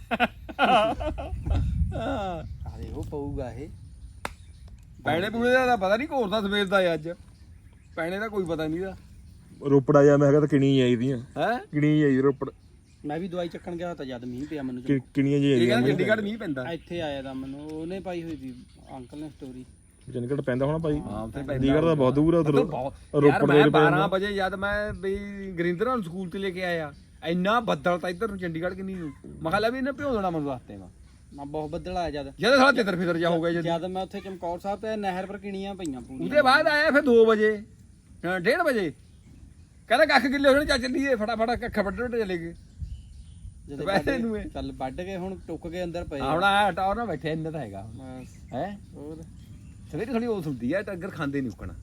Speaker 2: ਆ ਦੇਖੋ ਪਊਗਾ ਇਹ
Speaker 1: ਪੈਣੇ ਪੂਣੇ ਦਾ ਤਾਂ ਪਤਾ ਨਹੀਂ ਘੋਰਦਾ ਸਵੇਰ ਦਾ ਅੱਜ ਪੈਣੇ ਦਾ ਕੋਈ ਪਤਾ ਨਹੀਂ ਦਾ
Speaker 3: ਰੋਪੜ ਆ ਜਾ ਮੈਂ ਕਿਹਾ ਤਾਂ ਕਿਣੀ ਆਈ ਦੀਆਂ
Speaker 1: ਹੈ
Speaker 3: ਕਿਣੀ ਆਈ ਰੋਪੜ
Speaker 2: ਮੈਂ ਵੀ ਦਵਾਈ ਚੱਕਣ ਗਿਆ ਤਾਂ ਜਦ ਮੀਂਹ ਪਿਆ ਮੈਨੂੰ
Speaker 3: ਕਿਣੀਆਂ ਜੀ
Speaker 1: ਇਹ
Speaker 3: ਆਈਆਂ
Speaker 1: ਕਹਿੰਦਾ ਚੰਡੀਗੜ੍ਹ ਮੀਂਹ ਪੈਂਦਾ
Speaker 2: ਇੱਥੇ ਆਇਆ ਤਾਂ ਮੈਨੂੰ ਉਹਨੇ ਪਾਈ ਹੋਈ ਸੀ ਅੰਕਲ ਨੇ ਸਟੋਰੀ
Speaker 3: ਚੰਡੀਗੜ੍ਹ ਪੈਂਦਾ ਹੋਣਾ ਭਾਈ
Speaker 1: ਹਾਂ ਉੱਥੇ
Speaker 3: ਚੰਡੀਗੜ੍ਹ ਤਾਂ ਬਹੁਤ ਦੂਰ ਆ ਉਧਰ
Speaker 1: ਯਾਰ ਮੈਂ 12 ਵਜੇ ਜਦ ਮੈਂ ਬਈ ਗਰਿੰਦਰ ਨੂੰ ਸਕੂਲ ਤੇ ਲੈ ਕੇ ਆਇਆ ਇੰਨਾ ਬੱਦਲ ਤਾਂ ਇੱਧਰ ਨੂੰ ਚੰਡੀਗੜ੍ਹ ਕਿੰਨੀ ਨੂੰ ਮੈਂ ਕਿਹਾ ਲੈ ਵੀ ਇਹਨੇ ਭਿਉਂ ਦੇਣਾ ਮੈਨੂੰ ਰਸਤੇ ਮਾ
Speaker 2: ਮੈਂ ਬਹੁਤ ਬੱਦਲ ਆਇਆ ਜਦ
Speaker 1: ਜਦ ਸਾਲਾ ਤਿੱਤਰ ਫਿਤਰ ਜਾ ਹੋ ਗਿਆ
Speaker 2: ਜਦ ਮੈਂ ਉੱਥੇ ਚਮਕੌਰ ਸਾਹਿਬ ਤੇ ਨਹਿਰ ਪਰ ਕਿਣੀਆਂ ਪਈਆਂ ਪੂਰੀਆਂ
Speaker 1: ਉਹਦੇ ਬਾਅਦ ਆਇਆ ਫਿਰ 2 ਵਜੇ 1:30 ਵਜੇ ਕਹਿੰਦਾ ਕੱਖ ਕਿੱਲੇ ਹੋਣੇ ਚੱਲ ਚੱਲੀਏ ਫਟਾਫਟ ਕੱਖ ਵੱਢ ਚਲੇ ਗਏ
Speaker 2: ਜਦੋਂ
Speaker 1: ਵੈਸੇ ਨੂੰ ਇਹ
Speaker 2: ਚੱਲ ਵੱਢ ਕੇ ਹੁਣ ਟੁੱਕ ਕੇ ਅੰਦਰ ਪਏ
Speaker 1: ਹੁਣ ਆ ਟੌਰ ਨਾਲ ਬੈਠੇ ਇੰਨਾ ਤਾਂ ਹੈਗਾ
Speaker 2: ਬਸ
Speaker 1: ਹੈ
Speaker 2: ਹੋਰ
Speaker 1: ਸਵੇਰੇ ਥੋੜੀ ਉਹ ਹੁੰਦੀ ਆ ਟੱਗਰ ਖਾਂਦੇ ਨਹੀਂ ਉਕਣਾ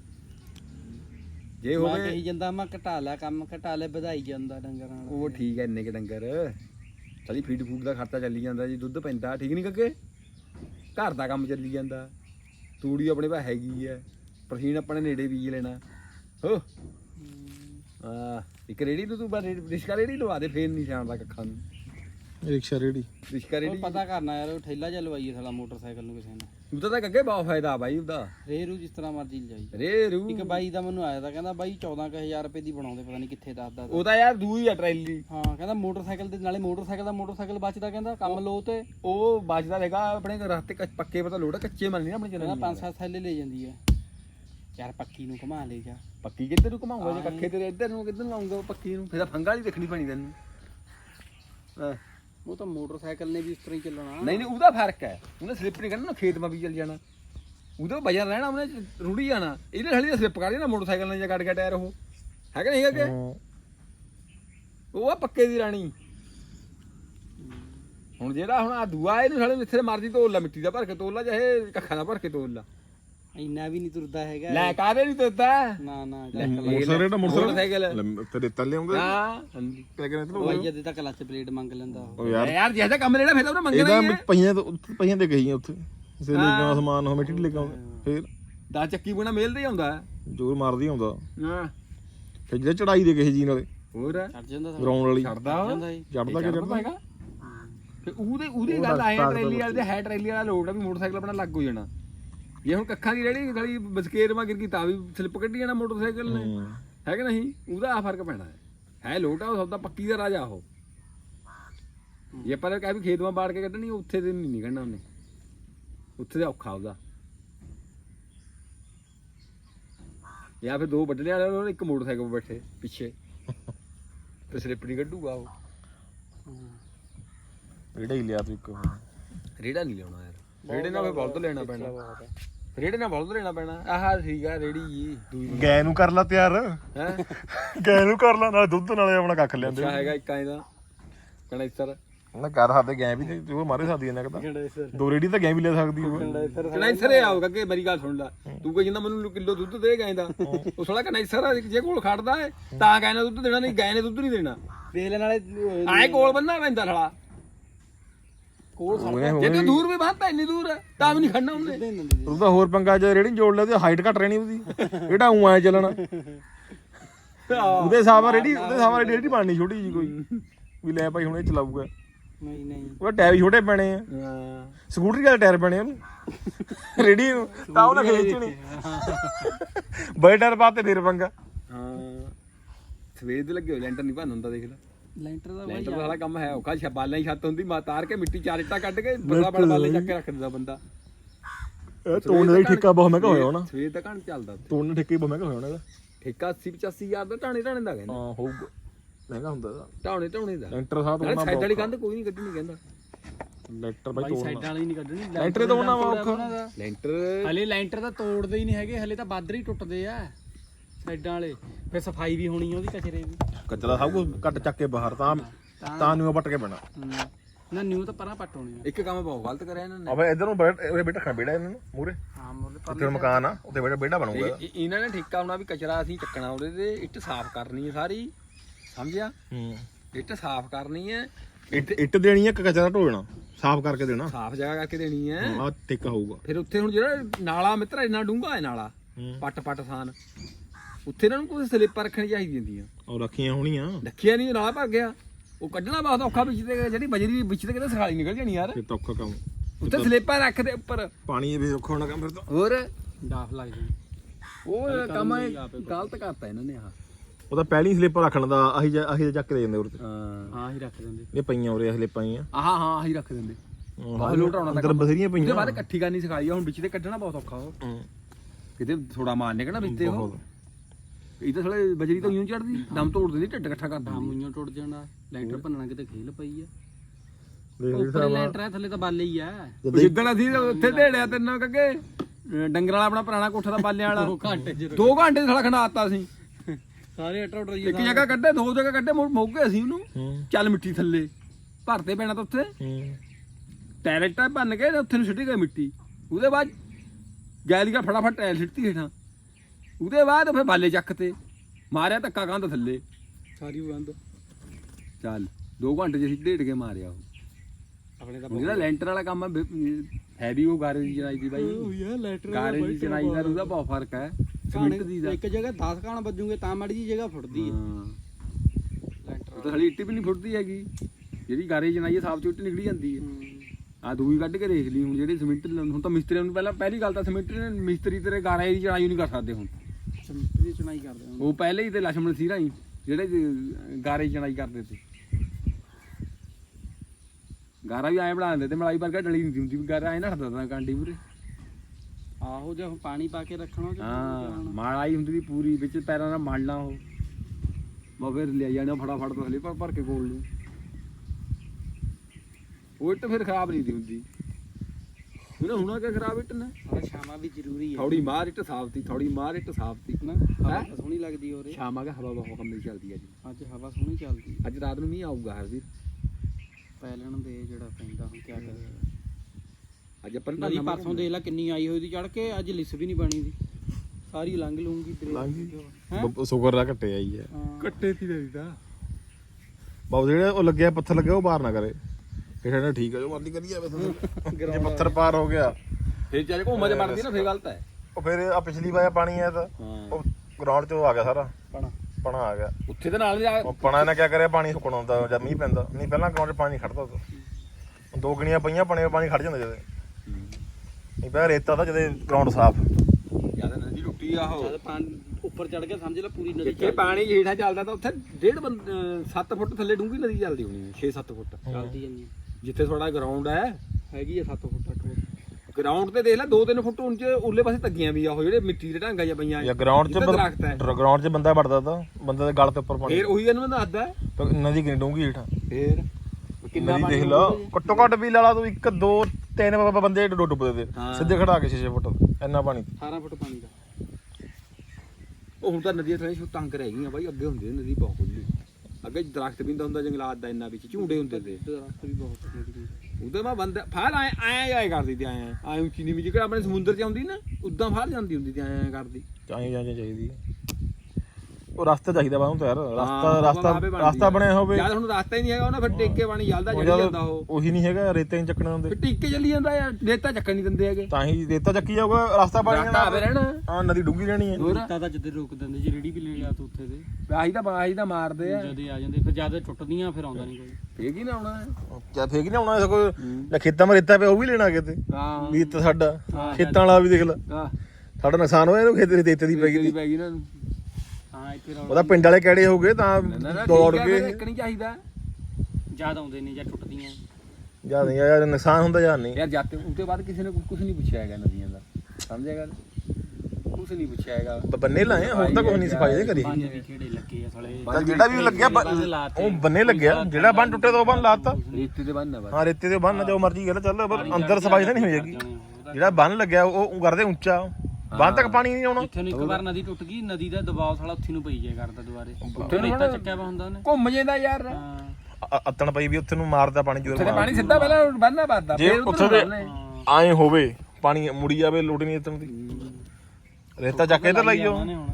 Speaker 1: ਜੇ
Speaker 2: ਮੈਂ
Speaker 1: ਹੋਵੇ
Speaker 2: ਕਹੀ ਜਾਂਦਾ ਮੈਂ ਘਟਾ ਲਿਆ ਕੰਮ ਘਟਾ ਲੈ ਵਧਾਈ ਜਾਂਦਾ ਡੰਗਰਾਂ ਨਾਲ
Speaker 1: ਉਹ ਠੀਕ ਐ ਇੰਨੇ ਕੇ ਡੰਗਰ ਚਲੀ ਫੀਡ ਫੂਡ ਦਾ ਖਰਚਾ ਚੱਲੀ ਜਾਂਦਾ ਜੀ ਦੁੱਧ ਪੈਂਦਾ ਠੀਕ ਨਹੀਂ ਕੱਗੇ ਘਰ ਦਾ ਕੰਮ ਚੱਲੀ ਜਾਂਦਾ ਤੂੜੀ ਆਪਣੇ ਪਾ ਹੈਗੀ ਐ ਪਰਸੀਨ ਆਪਣੇ ਨੇੜੇ ਬੀਜ ਲੈਣਾ ਹੋ ਆ ਇੱਕ ਰੇੜੀ ਨੂੰ ਤੂੰ ਰਿਸ਼ਕਾ ਰੇੜੀ ਲਵਾ ਦੇ ਫੇਰ ਨਹੀਂ ਜਾਣਦਾ ਕੱਖਾਂ ਨੂੰ
Speaker 3: ਰਿਕਸ਼ਾ ਰੇੜੀ
Speaker 1: ਰਿਸ਼ਕਾ
Speaker 2: ਉਹ
Speaker 1: ਰੇੜੀ
Speaker 2: ਪਤਾ ਕਰਨਾ ਯਾਰ ਉਹ ਠੇਲਾ ਜਾਂ ਲਵਾਈਏ ਸਾਲਾ ਮੋਟਰਸਾਈਕਲ ਨੂੰ ਕਿਸੇ ਨੇ
Speaker 1: ਉਹਦਾ ਤਾਂ ਕੱਗੇ ਬਹੁਤ ਫਾਇਦਾ ਬਾਈ ਉਹਦਾ
Speaker 2: ਰੇਰੂ ਜਿਸ ਤਰ੍ਹਾਂ ਮਰਜ਼ੀ ਲਿਜਾਈ
Speaker 1: ਰੇ ਰੂ
Speaker 2: ਇੱਕ ਬਾਈ ਦਾ ਮੈਨੂੰ ਆਇਆ ਤਾਂ ਕਹਿੰਦਾ ਬਾਈ 14000 ਰੁਪਏ ਦੀ ਬਣਾਉਂਦੇ ਪਤਾ ਨਹੀਂ ਕਿੱਥੇ ਦੱਸਦਾ
Speaker 1: ਉਹਦਾ ਯਾਰ ਦੂਈ ਆ ਟਰੈਲੀ
Speaker 2: ਹਾਂ ਕਹਿੰਦਾ ਮੋਟਰਸਾਈਕਲ ਦੇ ਨਾਲੇ ਮੋਟਰਸਾਈਕਲ ਬਚਦਾ ਕਹਿੰਦਾ ਕੰਮ ਲੋ ਤੇ
Speaker 1: ਉਹ ਬਚਦਾ ਹੈਗਾ ਆਪਣੇ ਰਸਤੇ ਪੱਕੇ ਪਤਾ ਲੋੜ ਕੱਚੇ ਮਨ ਨਹੀਂ ਆਪਣੇ
Speaker 2: ਕਹਿੰਦਾ
Speaker 1: ਚੱਲਣ
Speaker 2: 5-7 ਥੈਲੇ ਲੈ ਜਾਂਦੀ ਹੈ ਯਾਰ ਪੱਕੀ ਨੂੰ ਘੁਮਾ ਲੈ ਜਾ
Speaker 1: ਪੱਕੀ ਕਿੱਧਰ ਨੂੰ ਘਮਾਉਂਗਾ ਜੇ ਕੱਖੇ ਤੇਰੇ ਇੱਧਰ ਨੂੰ ਕਿੱਧਰ ਨੂੰ ਲਾਉਂਗਾ ਪੱਕੀ ਨੂੰ ਫਿਰ ਤਾਂ ਫੰਗਾ ਵਾਲੀ ਦੇਖਣੀ ਪੈਣੀ ਤੈਨੂੰ ਹਾਂ
Speaker 2: ਉਹ ਤਾਂ ਮੋਟਰਸਾਈਕਲ ਨੇ ਵੀ ਇਸ ਤਰ੍ਹਾਂ ਹੀ ਚੱਲਣਾ
Speaker 1: ਨਹੀਂ ਨਹੀਂ ਉਹਦਾ ਫਰਕ ਹੈ ਉਹਨੇ ਸਲਿੱਪ ਨਹੀਂ ਕਰਨਾ ਖੇਤ ਮਾ ਵੀ ਚੱਲ ਜਾਣਾ ਉਹਦਾ ਵਜਨ ਰਹਿਣਾ ਉਹਨੇ ਰੁੜੀ ਜਾਣਾ ਇਹਨੇ ਹਲੀ ਦਾ ਸਲਿੱਪ ਕਰ ਨਾ ਮੋਟਰਸਾਈਕਲ ਨਾਲ ਜਾਂ ਕੱਢ ਕੇ ਟਾਇਰ ਉਹ ਹੈਗਾ ਨਹੀਂ ਹੈਗਾ ਉਹ ਆ ਪੱਕੇ ਦੀ ਰਾਣੀ ਹੁਣ ਜਿਹੜਾ ਹੁਣ ਆ ਦੂਆ ਇਹਨੂੰ ਸਾਲੇ ਜਿੱਥੇ ਮਰਜ਼ੀ ਤੋਲ ਲਾ ਮਿੱਟੀ ਦਾ ਭਰ ਕੇ ਤੋਲ ਲਾ ਚਾਹੇ ਕੱਖਾਂ ਦਾ ਭਰ ਕੇ ਤੋਲ ਲਾ
Speaker 2: ਇੰਨਾ ਵੀ ਨਹੀਂ ਤੁਰਦਾ ਹੈਗਾ
Speaker 1: ਲੈ ਕਾਹਦੇ ਨਹੀਂ ਦਿੱਤਾ
Speaker 2: ਨਾ ਨਾ
Speaker 3: ਮੋਟਰਸਾਈਕਲ ਤੇ ਦਿੱਤਾ ਲਿਆਉਂਗੇ
Speaker 1: ਹਾਂ
Speaker 3: ਕਿਆ ਕਹਿੰਦੇ
Speaker 2: ਉਹ ਜਦ ਤੱਕ ਕਲੱਚ ਪਲੇਟ ਮੰਗ ਲੈਂਦਾ ਉਹ
Speaker 3: ਉਹ ਯਾਰ
Speaker 1: ਯਾਰ ਜਿਹਦਾ ਕੰਮ ਲੈਣਾ ਫਿਰ ਉਹਨੇ ਮੰਗਣਾ
Speaker 3: ਇਹਦਾ
Speaker 1: ਹੀ ਹੈ
Speaker 3: ਪਹੀਆਂ ਤੇ ਗਈ ਉੱਥੇ ਇਸੇ ਲੈ ਕੇ ਆਉਣਾ ਸਮਾਨ ਉਹ ਮਿੱਟੀ ਲੈ ਕੇ ਆਉਂਦੇ ਫੇਰ
Speaker 1: ਦਾ ਚੱਕੀ ਬਣਾ ਮੇਲਦੇ ਹੀ ਆਉਂਦਾ
Speaker 3: ਜੋਰ ਮਾਰਦੀ ਆਉਂਦਾ
Speaker 1: ਹਾਂ
Speaker 3: ਫਿਰ ਜਿਹੜੇ ਚੜਾਈ ਦੇ ਕਿਸੇ ਜੀ ਨਾਲੇ
Speaker 1: ਹੋਰ
Speaker 2: ਛੱਡ ਜਾਂਦਾ
Speaker 3: ਗਰਾਊਂਡ ਵਾਲੀ
Speaker 1: ਛੱਡਦਾ
Speaker 2: ਜਾਂਦਾ ਜੀ
Speaker 3: ਚੜਦਾ ਕਿ ਚੜਦਾ
Speaker 1: ਹੈਗਾ ਤੇ ਉਹਦੀ ਗੱਲ ਆਏ ਟਰੈਲੀ ਵਾਲੇ ਦੇ ਹੈ ਟਰੈਲੀ ਵਾਲਾ ਲੋਡ ਆ ਵੀ ਮੋਟਰਸਾਈਕਲ ਆਪਣਾ ਲੱਗ ਹੋ ਜਾਣਾ ਜੇ ਹੁਣ ਕੱਖਾਂ ਦੀ ਰੇੜੀ ਗਲੀ ਬਸਕੇਰ ਮਾ ਗਿਰ ਗਈ ਤਾਂ ਵੀ ਸਲਿੱਪ ਕੱਢੀ ਜਾਣਾ ਮੋਟਰਸਾਈਕਲ ਨੇ ਹੈ ਕਿ ਨਹੀਂ ਉਹਦਾ ਆ ਫਰਕ ਪੈਣਾ ਹੈ ਲੋਟ ਆ ਉਹ ਸਭ ਦਾ ਪੱਕੀ ਦਾ ਰਾਜਾ ਉਹ ਜੇ ਪਰ ਕਹਿ ਵੀ ਖੇਤ ਮਾ ਬਾੜ ਕੇ ਕੱਢਣੀ ਉੱਥੇ ਤੇ ਨਹੀਂ ਕੱਢਣਾ ਉਹਨੇ ਉੱਥੇ ਦਾ ਔਖਾ ਉਹਦਾ ਜਾਂ ਫਿਰ ਦੋ ਵੱਢਣੇ ਵਾਲੇ ਉਹਨਾਂ ਇੱਕ ਮੋਟਰਸਾਈਕਲ ਬੈਠੇ ਪਿੱਛੇ ਤੇ ਸਲਿੱਪ ਨਹੀਂ ਕੱਢੂਗਾ ਉਹ
Speaker 3: ਰੇੜਾ ਹੀ ਲਿਆ ਤੂੰ ਇੱਕ
Speaker 1: ਰੇੜਾ ਨਹੀਂ ਲਿਆਉਣਾ ਯਾਰ ਰੇੜੇ ਨਾਲ ਫਿਰ ਬਲਦ ਲੈਣਾ ਪੈਣਾ ਰੇੜੇ ਨਾਲ ਬਲਦ ਲੈਣਾ ਪੈਣਾ ਆਹ ਠੀਕ ਆ ਰੇੜੀ ਜੀ ਦੂਈ
Speaker 3: ਗੈ ਨੂੰ ਕਰ ਲਾ ਤਿਆਰ
Speaker 1: ਹੈ
Speaker 3: ਗੈ ਨੂੰ ਕਰ ਲਾ ਨਾਲੇ ਦੁੱਧ ਨਾਲੇ ਆਪਣਾ ਕੱਖ ਲੈਂਦੇ
Speaker 1: ਅੱਛਾ ਹੈਗਾ ਇੱਕ ਇਹਦਾ ਕਨੈਕਟਰ
Speaker 3: ਨਾ ਕਰ ਸਕਦੇ ਗੈ ਵੀ ਤੇ ਉਹ ਮਾਰੇ ਸਕਦੀ ਇਹਨਾਂ ਕਦਾ ਦੋ ਰੇੜੀ ਤਾਂ ਗੈ ਵੀ ਲੈ ਸਕਦੀ ਉਹ
Speaker 1: ਕਨੈਕਟਰ ਆਉਗਾ ਕਿ ਮੇਰੀ ਗੱਲ ਸੁਣ ਲੈ ਤੂੰ ਕਹੀ ਜਾਂਦਾ ਮੈਨੂੰ ਕਿਲੋ ਦੁੱਧ ਦੇ ਗਾਂ ਦਾ ਉਹ ਸਾਲਾ ਕਨੈਕਟਰ ਜੇ ਕੋਲ ਖੜਦਾ ਹੈ ਤਾਂ ਗਾਂ ਨੇ ਦੁੱਧ ਦੇਣਾ ਨਹੀਂ ਗਾਂ ਨੇ ਦੁੱਧ ਨਹੀਂ ਦੇਣਾ
Speaker 2: ਦੇਖ ਲੈ ਨਾਲੇ
Speaker 1: ਆਏ ਕੋਲ ਬੰਨਾ ਪੈਂਦਾ ਸਾਲਾ ਕੋਲ ਜੇ ਤੂੰ ਦੂਰ ਵੀ ਬੰਨਤਾ ਇੰਨੀ ਦੂਰ ਤਾਂ ਵੀ ਨਹੀਂ ਖੜਨਾ ਉਹਨੇ
Speaker 3: ਤੂੰ ਤਾਂ ਹੋਰ ਪੰਗਾ ਜੇ ਰੇੜੀ ਜੋੜ ਲੈ ਤੇ ਹਾਈਟ ਘਟ ਰਹਿਣੀ ਉਹਦੀ ਜਿਹੜਾ ਉਂ ਆਏ ਚੱਲਣਾ ਉਹਦੇ ਹਿਸਾਬ ਨਾਲ ਰੇੜੀ ਬਣਨੀ ਛੋਟੀ ਜੀ ਕੋਈ ਵੀ ਲੈ ਭਾਈ ਹੁਣ ਇਹ ਚਲਾਊਗਾ
Speaker 2: ਨਹੀਂ
Speaker 3: ਉਹ ਟਾਇਰ ਵੀ ਛੋਟੇ ਪੈਣੇ ਆ
Speaker 1: ਹਾਂ
Speaker 3: ਸਕੂਟਰੀ ਵਾਲੇ ਟਾਇਰ ਪੈਣੇ ਉਹਨੂੰ ਰੇੜੀ ਨੂੰ ਤਾਂ ਉਹਨੇ ਖੇਚਣੀ ਬੜੇ ਟਾਇਰ ਪਾਤੇ ਫੇਰ ਪੰਗਾ
Speaker 1: ਹਾਂ ਸਵੇਰ ਦੇ ਲੱਗੇ ਹੋ ਲੈਂਟਰ ਨਹੀਂ ਭੰਨ ਹੁੰਦਾ ਦੇਖ ਲੈ
Speaker 2: ਲੈਂਟਰ ਦਾ
Speaker 1: ਲੈਂਟਰ ਦਾ ਸਾਲਾ ਕੰਮ ਹੈ ਔਖਾ ਬਾਲਾਂ ਦੀ ਛੱਤ ਹੁੰਦੀ ਤਾਰ ਕੇ ਮਿੱਟੀ ਚਾਰ ਇੱਟਾਂ ਕੱਢ ਕੇ ਬੜਾ ਬੜਾ ਬਾਲੇ ਚੱਕ ਕੇ ਰੱਖ ਦਿੰਦਾ ਬੰਦਾ
Speaker 3: ਤੋੜਨ ਦਾ ਠੇਕਾ ਬਹੁਤ ਮਹਿੰਗਾ ਹੋਇਆ ਹੋਣਾ
Speaker 1: ਸਵੇਰ ਦਾ ਘਣ ਚੱਲਦਾ
Speaker 3: ਤੋੜਨ ਦਾ ਠੇਕਾ ਬਹੁਤ ਮਹਿੰਗਾ ਹੋਇਆ ਹੋਣਾ ਇਹਦਾ
Speaker 1: ਠੇਕਾ 80 85 ਹਜ਼ਾਰ ਦਾ ਢਾਣੇ ਦਾ ਕਹਿੰਦਾ
Speaker 3: ਹਾਂ ਹੋਊਗਾ ਮਹਿੰਗਾ ਹੁੰਦਾ ਇਹਦਾ
Speaker 1: ਢਾਣੇ ਦਾ
Speaker 3: ਲੈਂਟਰ ਸਾਹ
Speaker 1: ਨਾਲੇ
Speaker 3: ਤੋੜਨਾ
Speaker 1: ਸਾਈਡ ਵਾਲੀ ਕੰਧ ਕੋਈ ਨਹੀਂ ਕੱਢਣੀ ਕਹਿੰਦਾ
Speaker 3: ਲੈਂਟਰ ਬਾਈ
Speaker 2: ਸਾਈਡਾਂ
Speaker 3: ਤੋੜਨਾ
Speaker 2: ਵਾਲੀ ਨਹੀਂ ਕੱਢਣੀ
Speaker 3: ਲੈਂਟਰ ਤੋੜਨਾ ਵਾ ਔਖਾ
Speaker 1: ਲੈਂਟਰ
Speaker 2: ਹਲੇ ਲੈਂਟਰ ਤਾਂ ਤੋੜਦੇ ਹੀ ਨਹੀਂ ਹੈਗੇ ਹਲੇ ਤਾਂ ਬਾਦਰ ਹੀ ਟੁੱਟਦੇ ਆ ਸਾਈਡਾਂ ਵਾਲੇ ਫਿਰ ਸਫਾਈ ਵੀ ਹੋਣੀ ਆ ਉਹਦੀ ਕਚਰੇ ਦੀ
Speaker 3: ਕਚਰਾ ਸਭ ਕੁਝ ਕੱਟ ਚੱਕ ਕੇ ਬਾਹਰ ਤਾਂ ਨੂੰ ਪੱਟ ਕੇ ਪੈਣਾ
Speaker 2: ਨਾ ਨਿਊ ਤਾਂ ਪਰਾਂ ਪੱਟ ਹੋਣੀ ਆ
Speaker 1: ਇੱਕ ਕੰਮ ਬਹੁਤ ਗਲਤ ਕਰਿਆ ਇਹਨਾਂ ਨੇ
Speaker 3: ਅਬੇ ਇਧਰ ਨੂੰ ਬੈਠ ਰੱਖਣਾ ਬੇੜਾ ਇਹਨਾਂ ਨੂੰ ਮੂਰੇ
Speaker 2: ਹਾਂ ਮੋਲੇ
Speaker 3: ਉੱਥੇ ਮਕਾਨ ਆ ਉੱਥੇ ਬੇੜਾ ਬਣੂਗਾ
Speaker 1: ਇਹਨਾਂ ਨੇ ਠੇਕਾ ਹੋਣਾ ਵੀ ਕਚਰਾ ਅਸੀਂ ਚੱਕਣਾ ਉਹਦੇ ਤੇ ਇੱਟ ਸਾਫ਼ ਕਰਨੀ ਹੈ ਸਾਰੀ ਸਮਝਿਆ ਇੱਟ ਸਾਫ਼ ਕਰਨੀ ਹੈ
Speaker 3: ਇੱਟ ਦੇਣੀ ਹੈ ਕਚਰਾ ਢੋਣਾ ਸਾਫ਼ ਕਰਕੇ ਦੇਣਾ
Speaker 1: ਸਾਫ਼ ਜਗ੍ਹਾ ਕਰਕੇ ਦੇਣੀ ਹੈ
Speaker 3: ਆ ਠੇਕਾ ਹੋਊਗਾ
Speaker 1: ਫਿਰ ਉੱਥੇ ਹੁਣ ਜਿਹੜਾ ਨਾਲਾ ਮਿੱਤਰਾ ਇੰਨਾ ਡੂੰਘਾ ਹੈ ਨਾਲਾ ਪੱਟ ਥਾਨ ਉੱਥੇ ਇਹਨਾਂ ਨੂੰ ਕੋਈ ਸਲਿੱਪਾਂ ਰੱਖਣੀ ਚਾਹੀਦੀ ਹੁੰਦੀਆਂ
Speaker 3: ਉਹ ਰੱਖੀਆਂ ਹੋਣੀਆਂ
Speaker 1: ਰੱਖਿਆ ਨਹੀਂ ਨਾਲਾ ਭਰ ਗਿਆ ਉਹ ਕੱਢਣਾ ਬਹੁਤ ਔਖਾ ਵਿੱਚ ਤੇ ਜਿਹੜੀ ਬਜਰੀ ਵਿੱਚ ਤੇ ਕਿਤੇ ਸਖਾਲੀ ਨਿਕਲ ਜਾਣੀ ਯਾਰ
Speaker 3: ਫਿਰ ਤਾਂ ਔਖਾ ਕੰਮ
Speaker 1: ਉੱਥੇ ਸਲਿੱਪਾਂ ਰੱਖਦੇ ਉੱਪਰ
Speaker 3: ਪਾਣੀ ਵੀ ਔਖਾ ਹੋਣਾ ਕੰਮ ਫਿਰ ਤਾਂ
Speaker 1: ਹੋਰ
Speaker 2: ਡਾਫ ਲੱਗ ਜੀ
Speaker 1: ਉਹ ਕੰਮ ਗਲਤ ਕਰਤਾ ਇਹਨਾਂ ਨੇ ਆਹ
Speaker 3: ਉਹ ਤਾਂ ਪਹਿਲੀ ਸਲਿੱਪ ਰੱਖਣ ਦਾ ਆਹੀ ਚੱਕ ਦੇ ਜਾਂਦੇ ਉਰੇ
Speaker 2: ਹਾਂ ਹੀ ਰੱਖ ਦਿੰਦੇ
Speaker 3: ਇਹ ਪਈਆਂ ਉਰੇ ਸਲਿੱਪਾਂ ਹੀ ਆ
Speaker 1: ਹਾਂ ਆਹੀ ਰੱਖ ਦਿੰਦੇ ਬਹੁਤ ਲੋਟ ਆਉਣਾ
Speaker 3: ਅੰਦਰ ਬਥੇਰੀਆਂ
Speaker 1: ਉਹਦੇ
Speaker 3: ਪਈਆਂ
Speaker 1: ਬਾਅਦ ਇਕੱਠੀ ਕਰਨੀ ਸਿਖਾਈ ਆ ਹੁਣ ਵਿੱਚ ਤੇ ਕੱਢਣਾ ਬਹੁਤ ਔਖਾ ਉਹ ਕਿਤੇ ਥੋੜਾ ਮਾਰ ਨਿਕਲਣਾ ਵਿੱਚ ਤੇ ਉਹ ਇਹ ਤਾਂ ਥੋੜੇ ਬਜਰੀ ਤਾਂ ਯੂੰ ਚੜਦੀ ਦਮ ਤੋੜ ਦਿੰਦੀ ਢਿੱਡ ਇਕੱਠਾ ਕਰ ਦਿੰਦੀ
Speaker 2: ਮੂੰਹੋਂ ਟੁੱਟ ਜਾਣਾ ਲੈਂਟਰ ਭੰਨਣਾ ਕਿਤੇ ਖੇਲ ਪਈ ਆ
Speaker 3: ਦੇਖ
Speaker 2: ਉੱਪਰ ਲੈਂਟਰ ਆ ਥੱਲੇ ਤਾਂ ਬਾਲੇ ਹੀ ਆ
Speaker 1: ਜਿੱਦਣ ਅਸੀਂ ਉੱਥੇ ਢੇੜਿਆ ਤੈਨੂੰ ਕੱਗੇ ਡੰਗਰ ਵਾਲਾ ਆਪਣਾ ਪੁਰਾਣਾ ਕੋਠਾ ਦਾ ਬਾਲਿਆਂ ਵਾਲਾ
Speaker 2: 2 ਘੰਟੇ
Speaker 1: 2 ਘੰਟੇ ਸਾਲਾ ਖੰਡਾਤਾ ਸੀ
Speaker 2: ਸਾਰੇ ਅਟਰ
Speaker 1: ਇੱਕ ਜਗ੍ਹਾ ਕੱਢੇ 2 ਜਗ੍ਹਾ ਕੱਢੇ ਮੋਗੇ ਅਸੀਂ ਉਹਨੂੰ ਚੱਲ ਮਿੱਟੀ ਥੱਲੇ ਭਰਤੇ ਪੈਣਾ ਤਾਂ ਉੱਥੇ ਟਾਇਲਟਾਂ ਭੰਨ ਕੇ ਉੱਥੇ ਨੂੰ ਸਿੱਟੀ ਗਈ ਮਿੱਟੀ ਉਹਦੇ ਬਾਅਦ ਗੈਲੀਆ ਫਟਾਫਟ ਟਾਇਲ ਸਿੱਟਤੀ ਹੇਠਾਂ ਉਹਦੇ ਬਾਅਦ ਫਿਰ ਬਾਲੇ ਚੱਕ ਤੇ ਮਾਰਿਆ ਧੱਕਾ ਕੰਧ ਥੱਲੇ
Speaker 2: ਸਾਰੀ ਬੰਦ
Speaker 1: ਚੱਲ 2 ਘੰਟੇ ਜੇ ਢੇੜ ਕੇ ਮਾਰਿਆ ਉਹ
Speaker 2: ਆਪਣੇ ਤਾਂ
Speaker 1: ਜਿਹੜਾ ਲੈਂਟਰ ਵਾਲਾ ਕੰਮ ਹੈ ਵੀ ਉਹ ਗਾਰੇ ਦੀ ਚਨਾਈ ਦੀ ਬਾਈ ਗਾਰੇ ਦੀ ਚਨਾਈ ਦਾ ਉਹਦਾ ਬਹੁਤ ਫਰਕ ਹੈ ਸਿਮੈਂਟ ਦੀ ਦਾ
Speaker 2: ਇੱਕ ਜਗ੍ਹਾ 10 ਕਾਣ ਵੱਜੂਗੇ ਤਾਂ ਮਾੜੀ ਜੀ ਜਗ੍ਹਾ ਫੁੱਟਦੀ ਹੈ ਲੈਂਟਰ
Speaker 1: ਉਹ ਤਾਂ ਹਲੀ ਇੱਟੀ ਵੀ ਨਹੀਂ ਫੁੱਟਦੀ ਹੈਗੀ ਜਿਹੜੀ ਗਾਰੇ ਦੀ ਚਨਾਈ ਹੈ ਸਾਫ ਚੁੱਟ ਨਿਕਲੀ ਜਾਂਦੀ ਹੈ ਆ ਦੂਈ ਕੱਢ ਕੇ ਦੇਖ ਲਈ ਹੁਣ ਜਿਹੜੇ ਸਿਮੈਂਟ ਹੁਣ ਤਾਂ ਮਿਸਤਰੀਆਂ ਨੂੰ ਪਹਿਲੀ ਗੱਲ ਤਾਂ ਸਿਮੈਂਟ ਨੇ ਮਿਸਤਰੀ ਤੇਰੇ ਗਾਰੇ ਦੀ ਚਨਾਈ ਨਹੀਂ ਕਰ ਸਕਦੇ ਹੁਣ
Speaker 2: ਸਿਮੈਂਟ ਦੀ ਚਨਾਈ ਕਰਦੇ ਹਾਂ
Speaker 1: ਉਹ ਪਹਿਲੇ ਹੀ ਤੇ ਲక్ష్మణ ਸੀ ਰਾਈ ਜਿਹੜੇ ਗਾਰੇ ਦੀ ਚਨਾਈ ਕਰਦੇ ਸੀ ਗਾਰਾ ਵੀ ਐਂ ਬਣਾ ਦਿੰਦੇ ਤੇ ਮਲਾਈ ਵਰਗਾ ਡਲੀ ਨਹੀਂ ਹੁੰਦੀ ਵੀ ਗਾਰਾ ਐਂ ਨੱਠਦਾ ਤਾਂ ਕਾਂਡੀ ਪੂਰੇ
Speaker 2: ਆਹੋ ਜੇ ਪਾਣੀ ਪਾ ਕੇ ਰੱਖਣਾ
Speaker 1: ਹਾਂ ਮਲਾਈ ਹੁੰਦੀ ਸੀ ਪੂਰੀ ਵਿੱਚ ਪੈਰਾਂ ਨਾਲ ਮਲਣਾ ਉਹ ਮਗਰ ਲਿਆ ਜਾਣਾ ਫਟਾਫਟ ਤਸਲੀ ਭਰ ਕੇ ਕੋਲ ਨੂੰ ਉਹ ਇੱਟ ਫਿਰ ਖਰਾਬ ਨਹੀਂ ਦੀ ਹੁੰਦੀ ਉਹਨਾਂ ਹੁਣਾ ਕਿ ਖਰਾਬ ਇੱਟ ਨਾ
Speaker 2: ਸ਼ਾਮਾਂ ਵੀ ਜ਼ਰੂਰੀ ਹੈ
Speaker 1: ਥੋੜੀ ਮਾਰ ਇੱਟ ਸਾਫਤੀ ਥੋੜੀ ਮਾਰ ਇੱਟ ਸਾਫਤੀ
Speaker 2: ਨਾ ਹਵਾ ਸੋਹਣੀ ਲੱਗਦੀ ਹੋਰੇ
Speaker 1: ਸ਼ਾਮਾਂ ਦਾ ਹਵਾ ਬਹੁਤ ਕੰਮ ਚੱਲਦੀ ਹੈ ਜੀ
Speaker 2: ਅੱਜ ਹਵਾ ਸੋਹਣੀ ਚੱਲਦੀ
Speaker 1: ਅੱਜ ਰਾਤ ਨੂੰ ਮੀਂਹ ਆਊਗਾ ਹਰਵੀਰ
Speaker 2: ਪੈ ਲੈਣ ਦੇ ਜਿਹੜਾ ਪੈਂਦਾ ਹੁਣ ਕੀ ਕਰੇ
Speaker 1: ਅੱਜ ਆਪਾਂ
Speaker 2: ਨਦੀ ਪਰਸੋਂ ਦੇਖ ਲੈ ਕਿੰਨੀ ਆਈ ਹੋਈ ਦੀ ਚੜ ਕੇ, ਅੱਜ ਲਿਸ ਵੀ ਨਹੀਂ ਬਣੀ ਦੀ, ਸਾਰੀ ਲੰਘ ਲੂੰਗੀ
Speaker 3: ਸ਼ੁਕਰ ਦਾ ਕੱਟੇ ਆਈ ਹੈ
Speaker 1: ਕੱਟੇ ਤੀ ਨਦੀ ਦਾ
Speaker 3: ਬਾਬੂ ਜਿਹੜੇ ਉਹ ਲੱਗਿਆ ਪੱਥਰ ਲੱਗਿਆ ਉਹ ਪਾਰ ਨਾ ਕਰੇ ਇਹ ਠੀਕ ਹੈ ਜੋ ਮਰਦੀ ਕਰੀ ਜਾਵੇ ਜੇ ਪੱਥਰ ਪਾਰ ਹੋ ਗਿਆ
Speaker 1: ਫੇਰ ਚਾਰੇ ਘੁੰਮਾ ਚ ਮਰਦੀ ਨਾ ਫੇਰ ਗਲਤ ਹੈ
Speaker 3: ਉਹ ਫਿਰ ਆ ਪਿਛਲੀ ਵਾਰ ਪਾਣੀ ਆਇਆ ਤਾਂ ਉਹ ਗਰਾਊਂਡ ਚੋਂ ਆ ਗਿਆ ਸਾਰਾ ਪਣਾ ਆ ਗਿਆ
Speaker 1: ਉੱਥੇ ਦੇ ਨਾਲ ਜਾ
Speaker 3: ਉਹ ਪਣਾ ਨੇ ਕਿਆ ਕਰਿਆ ਪਾਣੀ ਸੁੱਕਣ ਆਉਂਦਾ ਜਦ ਮੀਂਹ ਪੈਂਦਾ ਨਹੀਂ ਪਹਿਲਾਂ ਗਰਾਊਂਡ 'ਚ ਪਾਣੀ ਖੜਦਾ ਹੁੰਦਾ 2 ਗਣੀਆਂ ਪਈਆਂ ਪਣੇ ਪਾਣੀ ਖੜ ਜਾਂਦਾ ਜਦੇ ਨਹੀਂ ਪਹਿਲਾਂ ਰੇਤਾ ਤਾਂ ਜਦੇ ਗਰਾਊਂਡ ਸਾਫ਼
Speaker 1: ਜਿਆਦਾ ਨਦੀ ਟੁੱਟੀ ਆ ਉਹ
Speaker 2: ਜਦ ਪਾਣੀ ਉੱਪਰ ਚੜ ਕੇ ਸਮਝ ਲੈ ਪੂਰੀ ਨਦੀ
Speaker 1: ਜਿੱਥੇ ਪਾਣੀ ਹੇਠਾਂ ਚੱਲਦਾ ਤਾਂ ਉੱਥੇ 7 ਫੁੱਟ ਥੱਲੇ ਡੂੰਘੀ ਨਦੀ ਚੱਲਦੀ ਹੋਣੀ 6-7 ਫੁੱਟ
Speaker 2: ਚੱਲਦੀ ਜਾਂਦੀ
Speaker 1: ਜਿੱਥੇ ਤੁਹਾਡਾ ਗਰਾਊਂਡ ਹੈ
Speaker 2: ਹੈਗੀ ਆ 7 ਫੁੱਟ 8 ਫੁੱਟ
Speaker 1: ਗਰਾਊਂਡ ਤੇ ਦੇਖ ਲੈ 2-3 ਫੁੱਟ ਉੱਚ ਉਰਲੇ ਪਾਸੇ ਤੱਗੀਆਂ ਵੀ ਆ ਉਹ ਜਿਹੜੇ ਮਿੱਟੀ ਦੇ ਢਾਂਗਾ ਜਾਂ ਪਈਆਂ
Speaker 3: ਜਾਂ ਗਰਾਊਂਡ 'ਚ
Speaker 1: ਜਿੱਥੇ ਦਰਖਤ ਹੈ
Speaker 3: ਗਰਾਊਂਡ 'ਚ ਬੰਦਾ ਵੜਦਾ ਤਾਂ ਬੰਦੇ ਦੇ ਗਲ ਤੇ ਉੱਪਰ ਪਾਣੀ
Speaker 1: ਫੇਰ ਉਹੀ ਇਹਨੂੰ ਮੈਂ ਦੱਸਦਾ
Speaker 3: ਪਰ ਨਦੀ ਕਿੰਨੀ ਡੂੰਘੀ ਹੇਠਾਂ
Speaker 1: ਫੇਰ ਕਿੰਨਾ
Speaker 3: ਨਦੀ ਦੇਖ ਲਾ ਘੱਟੋ ਘੱਟ ਵੀ ਲਾ ਲਾ ਤੂੰ 1 2 3 ਬੰਦੇ ਡੁੱਬਦੇ ਤੇ ਸਿੱਧੇ ਖੜਾ ਕੇ 6 ਫੁੱਟ ਇੰਨਾ ਪਾਣੀ
Speaker 2: 18 ਫੁੱਟ ਪਾਣੀ ਦਾ
Speaker 1: ਉਹ ਹੁਣ ਤਾਂ ਨਦੀਆਂ ਥੋੜੀ ਛੋਟਾਂ ਅੰਕਰ ਹੈਗੀਆਂ ਬਾਈ ਅੱਗੇ ਹੁੰਦੀ ਨਦੀ ਬਹੁਤ ਖੁੱਲੀ ਅੱਗੇ ਦਰਖਤ ਵੀ ਹੁੰਦਾ ਜੰਗਲਾਤ ਦਾ ਇੰਨਾ ਵਿੱਚ ਝੂੰਡੇ ਹੁੰਦੇ ਤੇ
Speaker 2: ਦਰਖਤ ਵੀ ਬਹੁਤ ਨੇ
Speaker 1: ਉਦੋਂ ਮੈਂ ਬੰਦਾ ਫਾਲ ਆਏ ਕਰਦੀ ਤੇ ਆਏ ਉੱਚੀ ਨੀਵੀਂ ਜਿਹੜਾ ਆਪਣੇ ਸਮੁੰਦਰ ਚ ਆਉਂਦੀ ਨਾ ਉਦਾਂ ਫਾਲ ਜਾਂਦੀ ਹੁੰਦੀ ਤੇ ਆਏ ਕਰਦੀ
Speaker 3: ਚਾਹੀਦੀ ਉਹ ਰਸਤਾ ਚਾਹੀਦਾ ਬਾਹਰੋਂ ਤਾਂ ਯਾਰ ਰਸਤਾ ਬਣਿਆ ਹੋਵੇ
Speaker 1: ਯਾਰ ਹੁਣ ਰਸਤਾ ਹੀ ਨਹੀਂ ਹੈਗਾ ਉਹਨਾਂ ਫਿਰ ਟੇਕੇ ਪਾਣੀ ਜਲਦਾ ਚੱਲੀ ਜਾਂਦਾ ਉਹ
Speaker 3: ਉਹੀ ਨਹੀਂ ਹੈਗਾ ਰੇਤੇ ਨਹੀਂ ਚੱਕਣੇ ਹੁੰਦੇ
Speaker 1: ਫਿਰ ਟੇਕੇ ਚੱਲੀ ਜਾਂਦਾ ਯਾਰ ਰੇਤਾ ਚੱਕਣ ਨਹੀਂ ਦਿੰਦੇ ਹੈਗੇ
Speaker 3: ਤਾਂ ਹੀ ਰੇਤਾ ਚੱਕੀ ਜਾਊਗਾ ਰਸਤਾ ਬਣ
Speaker 1: ਰਸਤਾ ਆਵੇ ਰਹਿਣਾ
Speaker 3: ਹਾਂ ਨਦੀ ਡੂੰਗੀ ਰਹਿਣੀ ਹੈ
Speaker 2: ਰੇਤਾ ਤਾਂ ਜਦੇ ਰੋਕ ਦਿੰਦੇ ਜੇ ਰੇੜੀ ਵੀ ਲੈ ਲਿਆ ਤੂੰ ਉੱਥੇ ਦੇ
Speaker 1: ਆਹੀ ਤਾਂ ਮਾਰਦੇ ਆ
Speaker 2: ਜਦੇ ਆ ਜਾਂਦੇ ਫਿਰ ਜਦ ਟੁੱਟਦੀਆਂ ਫਿਰ ਆਉਂਦਾ ਨਹੀਂ ਕੋਈ
Speaker 1: ਫੇਕ ਹੀ ਨਾ ਆਉਣਾ
Speaker 3: ਕਿਆ ਫੇਕ ਨਹੀਂ ਆਉਣਾ ਕੋਈ ਖੇਤਾਂ 'ਚ ਰੇਤਾ ਪਿਆ ਉਹ ਵੀ ਲੈਣਾ ਕਿਤੇ
Speaker 1: ਹਾਂ
Speaker 3: ਵੀ ਤਾਂ ਸਾਡਾ ਖੇਤਾਂ ਵਾਲਾ ਵੀ ਦੇਖ ਲੈ
Speaker 1: ਹਾਂ
Speaker 3: ਸਾਡਾ ਨੁਕਸਾਨ ਹੋਇਆ ਇਹਨੂੰ ਖੇਤ ਰੇਤੇ ਦੀ ਪੈ ਗਈ
Speaker 1: ਪੈ ਗਈ ਨਾ
Speaker 2: ਹਾਂ ਇੱਥੇ
Speaker 3: ਉਹਦਾ ਪਿੰਡ ਵਾਲੇ ਕਿਹੜੇ ਹੋ ਗਏ ਤਾਂ ਦੌੜ ਕੇ
Speaker 1: ਇੱਕ ਨਹੀਂ ਚਾਹੀਦਾ
Speaker 2: ਜਦ ਆਉਂਦੇ ਨੇ ਜਾਂ ਟੁੱਟਦੀਆਂ
Speaker 3: ਜਾਂ ਨਹੀਂ ਯਾਰ ਨੁਕਸਾਨ ਹੁੰਦਾ ਜਾਂ ਨਹੀਂ
Speaker 1: ਯਾਰ ਜਾਤੇ ਉਸ ਤੋਂ ਬਾਅਦ ਕਿਸੇ ਨੇ ਕੁਝ ਨਹੀਂ ਪੁੱਛਿਆ ਹੈਗਾ ਨਦੀਆਂ ਦਾ ਸਮਝਿਆ ਗੱਲ ਕੁਝ ਨਹੀਂ ਪੁੱਛਿਆ ਹੈਗਾ
Speaker 3: ਬੰਨੇ ਲਾਏ ਹੁਣ ਤਾਂ ਕੁਝ ਨਹੀਂ ਸਫਾਈ ਦੇ ਕਰੀ
Speaker 2: ਪੰਜ ਵੀ ਖੇੜੇ ਲੱਗੇ ਆ ਸਾਲੇ
Speaker 3: ਚੱਲ ਜਿਹੜਾ ਵੀ ਲੱਗਿਆ ਉਹ ਬੰਨੇ ਲੱਗਿਆ ਜਿਹੜਾ ਬੰਨ ਟੁੱਟੇ ਤੋਂ ਬੰਨ ਲਾਤਾ
Speaker 1: ਰੇਤੇ ਦੇ ਬੰਨ ਨਾ
Speaker 3: ਹਾਂ ਰੇਤੇ ਦੇ ਬੰਨ ਜੋ ਮਰਜੀ ਗੱਲ ਚੱਲ ਪਰ ਅੰਦਰ ਸਫਾਈ ਤਾਂ ਨਹੀਂ ਹੋਏਗੀ ਜਿਹੜਾ ਬੰਨ ਲੱਗਿਆ ਉਹ ਕਰਦੇ ਉੱਚਾ ਬੰਨ ਤੱਕ ਪਾਣੀ ਨਹੀਂ ਆਉਣਾ
Speaker 2: ਜਿੱਥੇ ਨੂੰ ਇੱਕ ਵਾਰ ਨਦੀ ਟੁੱਟ ਗਈ ਨਦੀ ਦਾ ਦਬਾਅ ਸਾਲਾ ਉੱਥੇ ਨੂੰ ਪਈ ਜਾਇਆ ਕਰਦਾ ਦੁਬਾਰੇ ਉੱਥੇ ਰੇਤਾ ਚੱਕਿਆ ਵਾ ਹੁੰਦਾ ਉਹਨੇ
Speaker 1: ਘੁੰਮ ਜਾਂਦਾ ਯਾਰ
Speaker 2: ਹਾਂ
Speaker 3: ਅੱਤਣ ਪਈ ਵੀ ਉੱਥੇ ਨੂੰ ਮਾਰਦਾ ਪਾਣੀ ਜਦੋਂ
Speaker 1: ਉੱਥੇ ਪਾਣੀ ਸਿੱਧਾ ਪਹਿਲਾਂ ਬੰਨਣਾ ਵੱਜਦਾ
Speaker 3: ਜੇ ਉੱਥੇ ਦੇ ਆਏ ਹੋਵੇ ਪਾਣੀ ਮੁੜੀ ਜਾਵੇ ਲੋੜ ਨਹੀਂ ਇੱਥੋਂ ਦੀ ਰੇਤਾ ਚੱਕ ਕੇ ਤਾਂ ਲਾਈਓ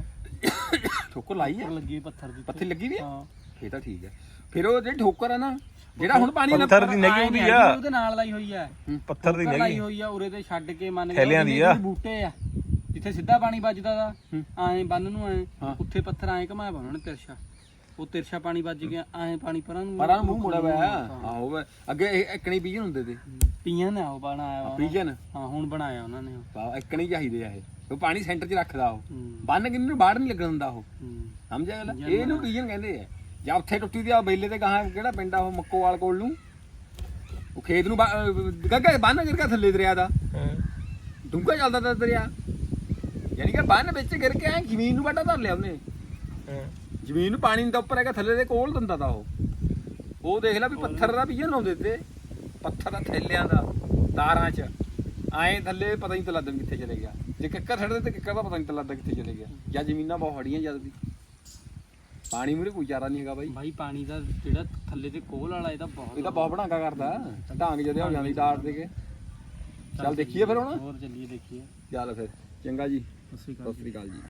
Speaker 1: ਠੋਕਰ ਲਾਈ ਹੈ
Speaker 2: ਲੱਗੀ ਪੱਥਰ ਦੀ
Speaker 1: ਪੱਥਰ ਲੱਗੀ ਵੀ ਹੈ
Speaker 2: ਹਾਂ
Speaker 1: ਇਹ ਤਾਂ ਠੀਕ ਹੈ ਫਿਰ ਉਹ ਜਿਹੜੀ ਠੋਕਰ ਆ ਨਾ ਜਿਹੜਾ ਹੁਣ ਪਾਣੀ
Speaker 3: ਪੱਥਰ ਦੀ ਨਹੀਂ ਹੁੰਦੀ ਆ
Speaker 2: ਉਹਦੇ ਨਾਲ ਲਾਈ ਹੋਈ ਆ
Speaker 3: ਪੱਥਰ ਦੀ
Speaker 2: ਲਾਈ
Speaker 3: ਨਹੀਂ
Speaker 2: ਹੋਈ ਆ ਉਰੇ ਤੇ ਛੱਡ ਕੇ ਮੰਨ
Speaker 3: ਥੈਲਿਆਂ ਦੀ ਆ।
Speaker 2: ਬੂਟੇ ਆ ਜਿੱਥੇ ਸਿੱਧਾ ਪਾਣੀ ਵੱਜਦਾ ਦਾ ਐਂ ਬੰਨ ਨੂੰ ਐਂ ਉੱਥੇ ਪੱਥਰ ਐਂ ਘਮਾਇਆ ਵਾ ਉਹਨਾਂ ਨੇ ਤਿਰਛਾ ਉਹ ਤਿਰਛਾ ਪਾਣੀ ਵੱਜ ਗਿਆ ਐਂ ਪਾਣੀ ਪਰਾਂ ਨੂੰ
Speaker 1: ਮੂੰਹ ਮੁੜਿਆ ਹੋਇਆ ਆਹੋ ਵੇ ਅੱਗੇ ਇੱਕਣੀ ਪੀਜਨ ਹੁੰਦੇ ਤੇ
Speaker 2: ਪੀਆਂ ਨੇ ਉਹ ਬਣਾਇਆ ਵਾ
Speaker 1: ਪੀਜਨ
Speaker 2: ਹਾਂ ਹੁਣ ਬਣਾਇਆ ਉਹਨਾਂ ਨੇ
Speaker 1: ਵਾਹ ਇੱਕਣੀ ਚਾਹੀਦੇ ਆ ਇਹ ਉਹ ਪਾਣੀ ਸੈਂਟਰ 'ਚ ਰੱਖਦਾ ਉਹ ਬੰਨ ਕਿੰਨੇ ਨੂੰ ਬਾਹਰ ਨਹੀਂ ਲੱਗਣ ਦਿੰਦਾ ਉਹ ਸਮਝਿਆ ਗੱਲ ਇਹਨੂੰ ਪੀਜਨ ਕਹਿੰਦੇ ਆ ਜਾਂ ਉੱਥੇ ਟੁੱਟੀ ਦੀ ਆ ਬੇਲੇ ਤੇ ਗਾਹਾਂ ਕਿਹੜਾ ਪਿੰਡ ਆ ਉਹ ਮੱਕੋਵਾਲ ਕੋਲ ਨੂੰ ਉਹ ਖੇਤ ਨੂੰ ਗੱਗਾ ਬੰਨ ਗਿਰ ਕੇ ਥੱਲੇ ਦਰਿਆ ਦਾ ਡੂੰਘਾ ਚੱਲਦਾ ਤਾ ਦਰਿਆ ਯਾਨੀ ਕਿ ਬੰਨ ਵਿੱਚ ਗਿਰ ਕੇ ਐ ਜ਼ਮੀਨ ਨੂੰ ਵੱਡਾ ਧਰ ਲਿਆ ਉਹਨੇ ਜ਼ਮੀਨ ਨੂੰ ਪਾਣੀ ਦਾ ਉੱਪਰ ਹੈਗਾ ਥੱਲੇ ਦੇ ਕੋਲ ਦਿੰਦਾ ਤਾ ਉਹ ਦੇਖ ਲੈ ਵੀ ਪੱਥਰ ਦਾ ਪੀਜਨ ਲਾਉਂਦੇ ਤੇ ਪੱਥਰ ਦਾ ਥੈਲਿਆਂ ਦਾ ਤਾਰਾਂ 'ਚ ਆਏ ਥੱਲੇ ਪਤਾ ਨਹੀਂ ਲੱਗਦਾ ਕਿੱਥੇ ਚਲੇ ਗਿਆ ਜੇ ਕਿੱਕਰ ਛੱਡਦੇ ਤੇ ਕਿੱਕਰ ਦਾ ਪਤਾ ਨਹੀਂ ਲੱਗਦਾ ਕਿੱਥੇ ਚਲੇ ਗਿਆ ਜਾਂ ਜ਼ਮੀਨਾਂ ਬਹੁਤ ਹੜੀਆਂ ਜਦ ਦੀ ਪਾਣੀ ਮੂਰੇ ਕੋਈ ਚਾਰਾ ਨਹੀਂ ਹੈਗਾ
Speaker 2: ਬਾਈ ਪਾਣੀ ਦਾ ਜਿਹੜਾ ਥੱਲੇ ਤੇ ਕੋਲ ਵਾਲਾ ਇਹ ਤਾਂ
Speaker 1: ਬਹੁਤ ਬਣਾਗਾ ਕਰਦਾ ਢਾਂਗ ਜਦੇ ਹੋ ਜਾਂਦੀ ਤਾਰ ਦੇ ਕੇ ਚੱਲ ਦੇਖੀਏ ਫਿਰ ਹੁਣ
Speaker 2: ਹੋਰ ਚੱਲੀਏ ਦੇਖੀਏ
Speaker 1: ਚੱਲ ਫਿਰ ਚੰਗਾ ਜੀ
Speaker 2: ਸਤਿ ਸ਼੍ਰੀ
Speaker 1: ਸਤਿ ਸ੍ਰੀ ਅਕਾਲ ਜੀ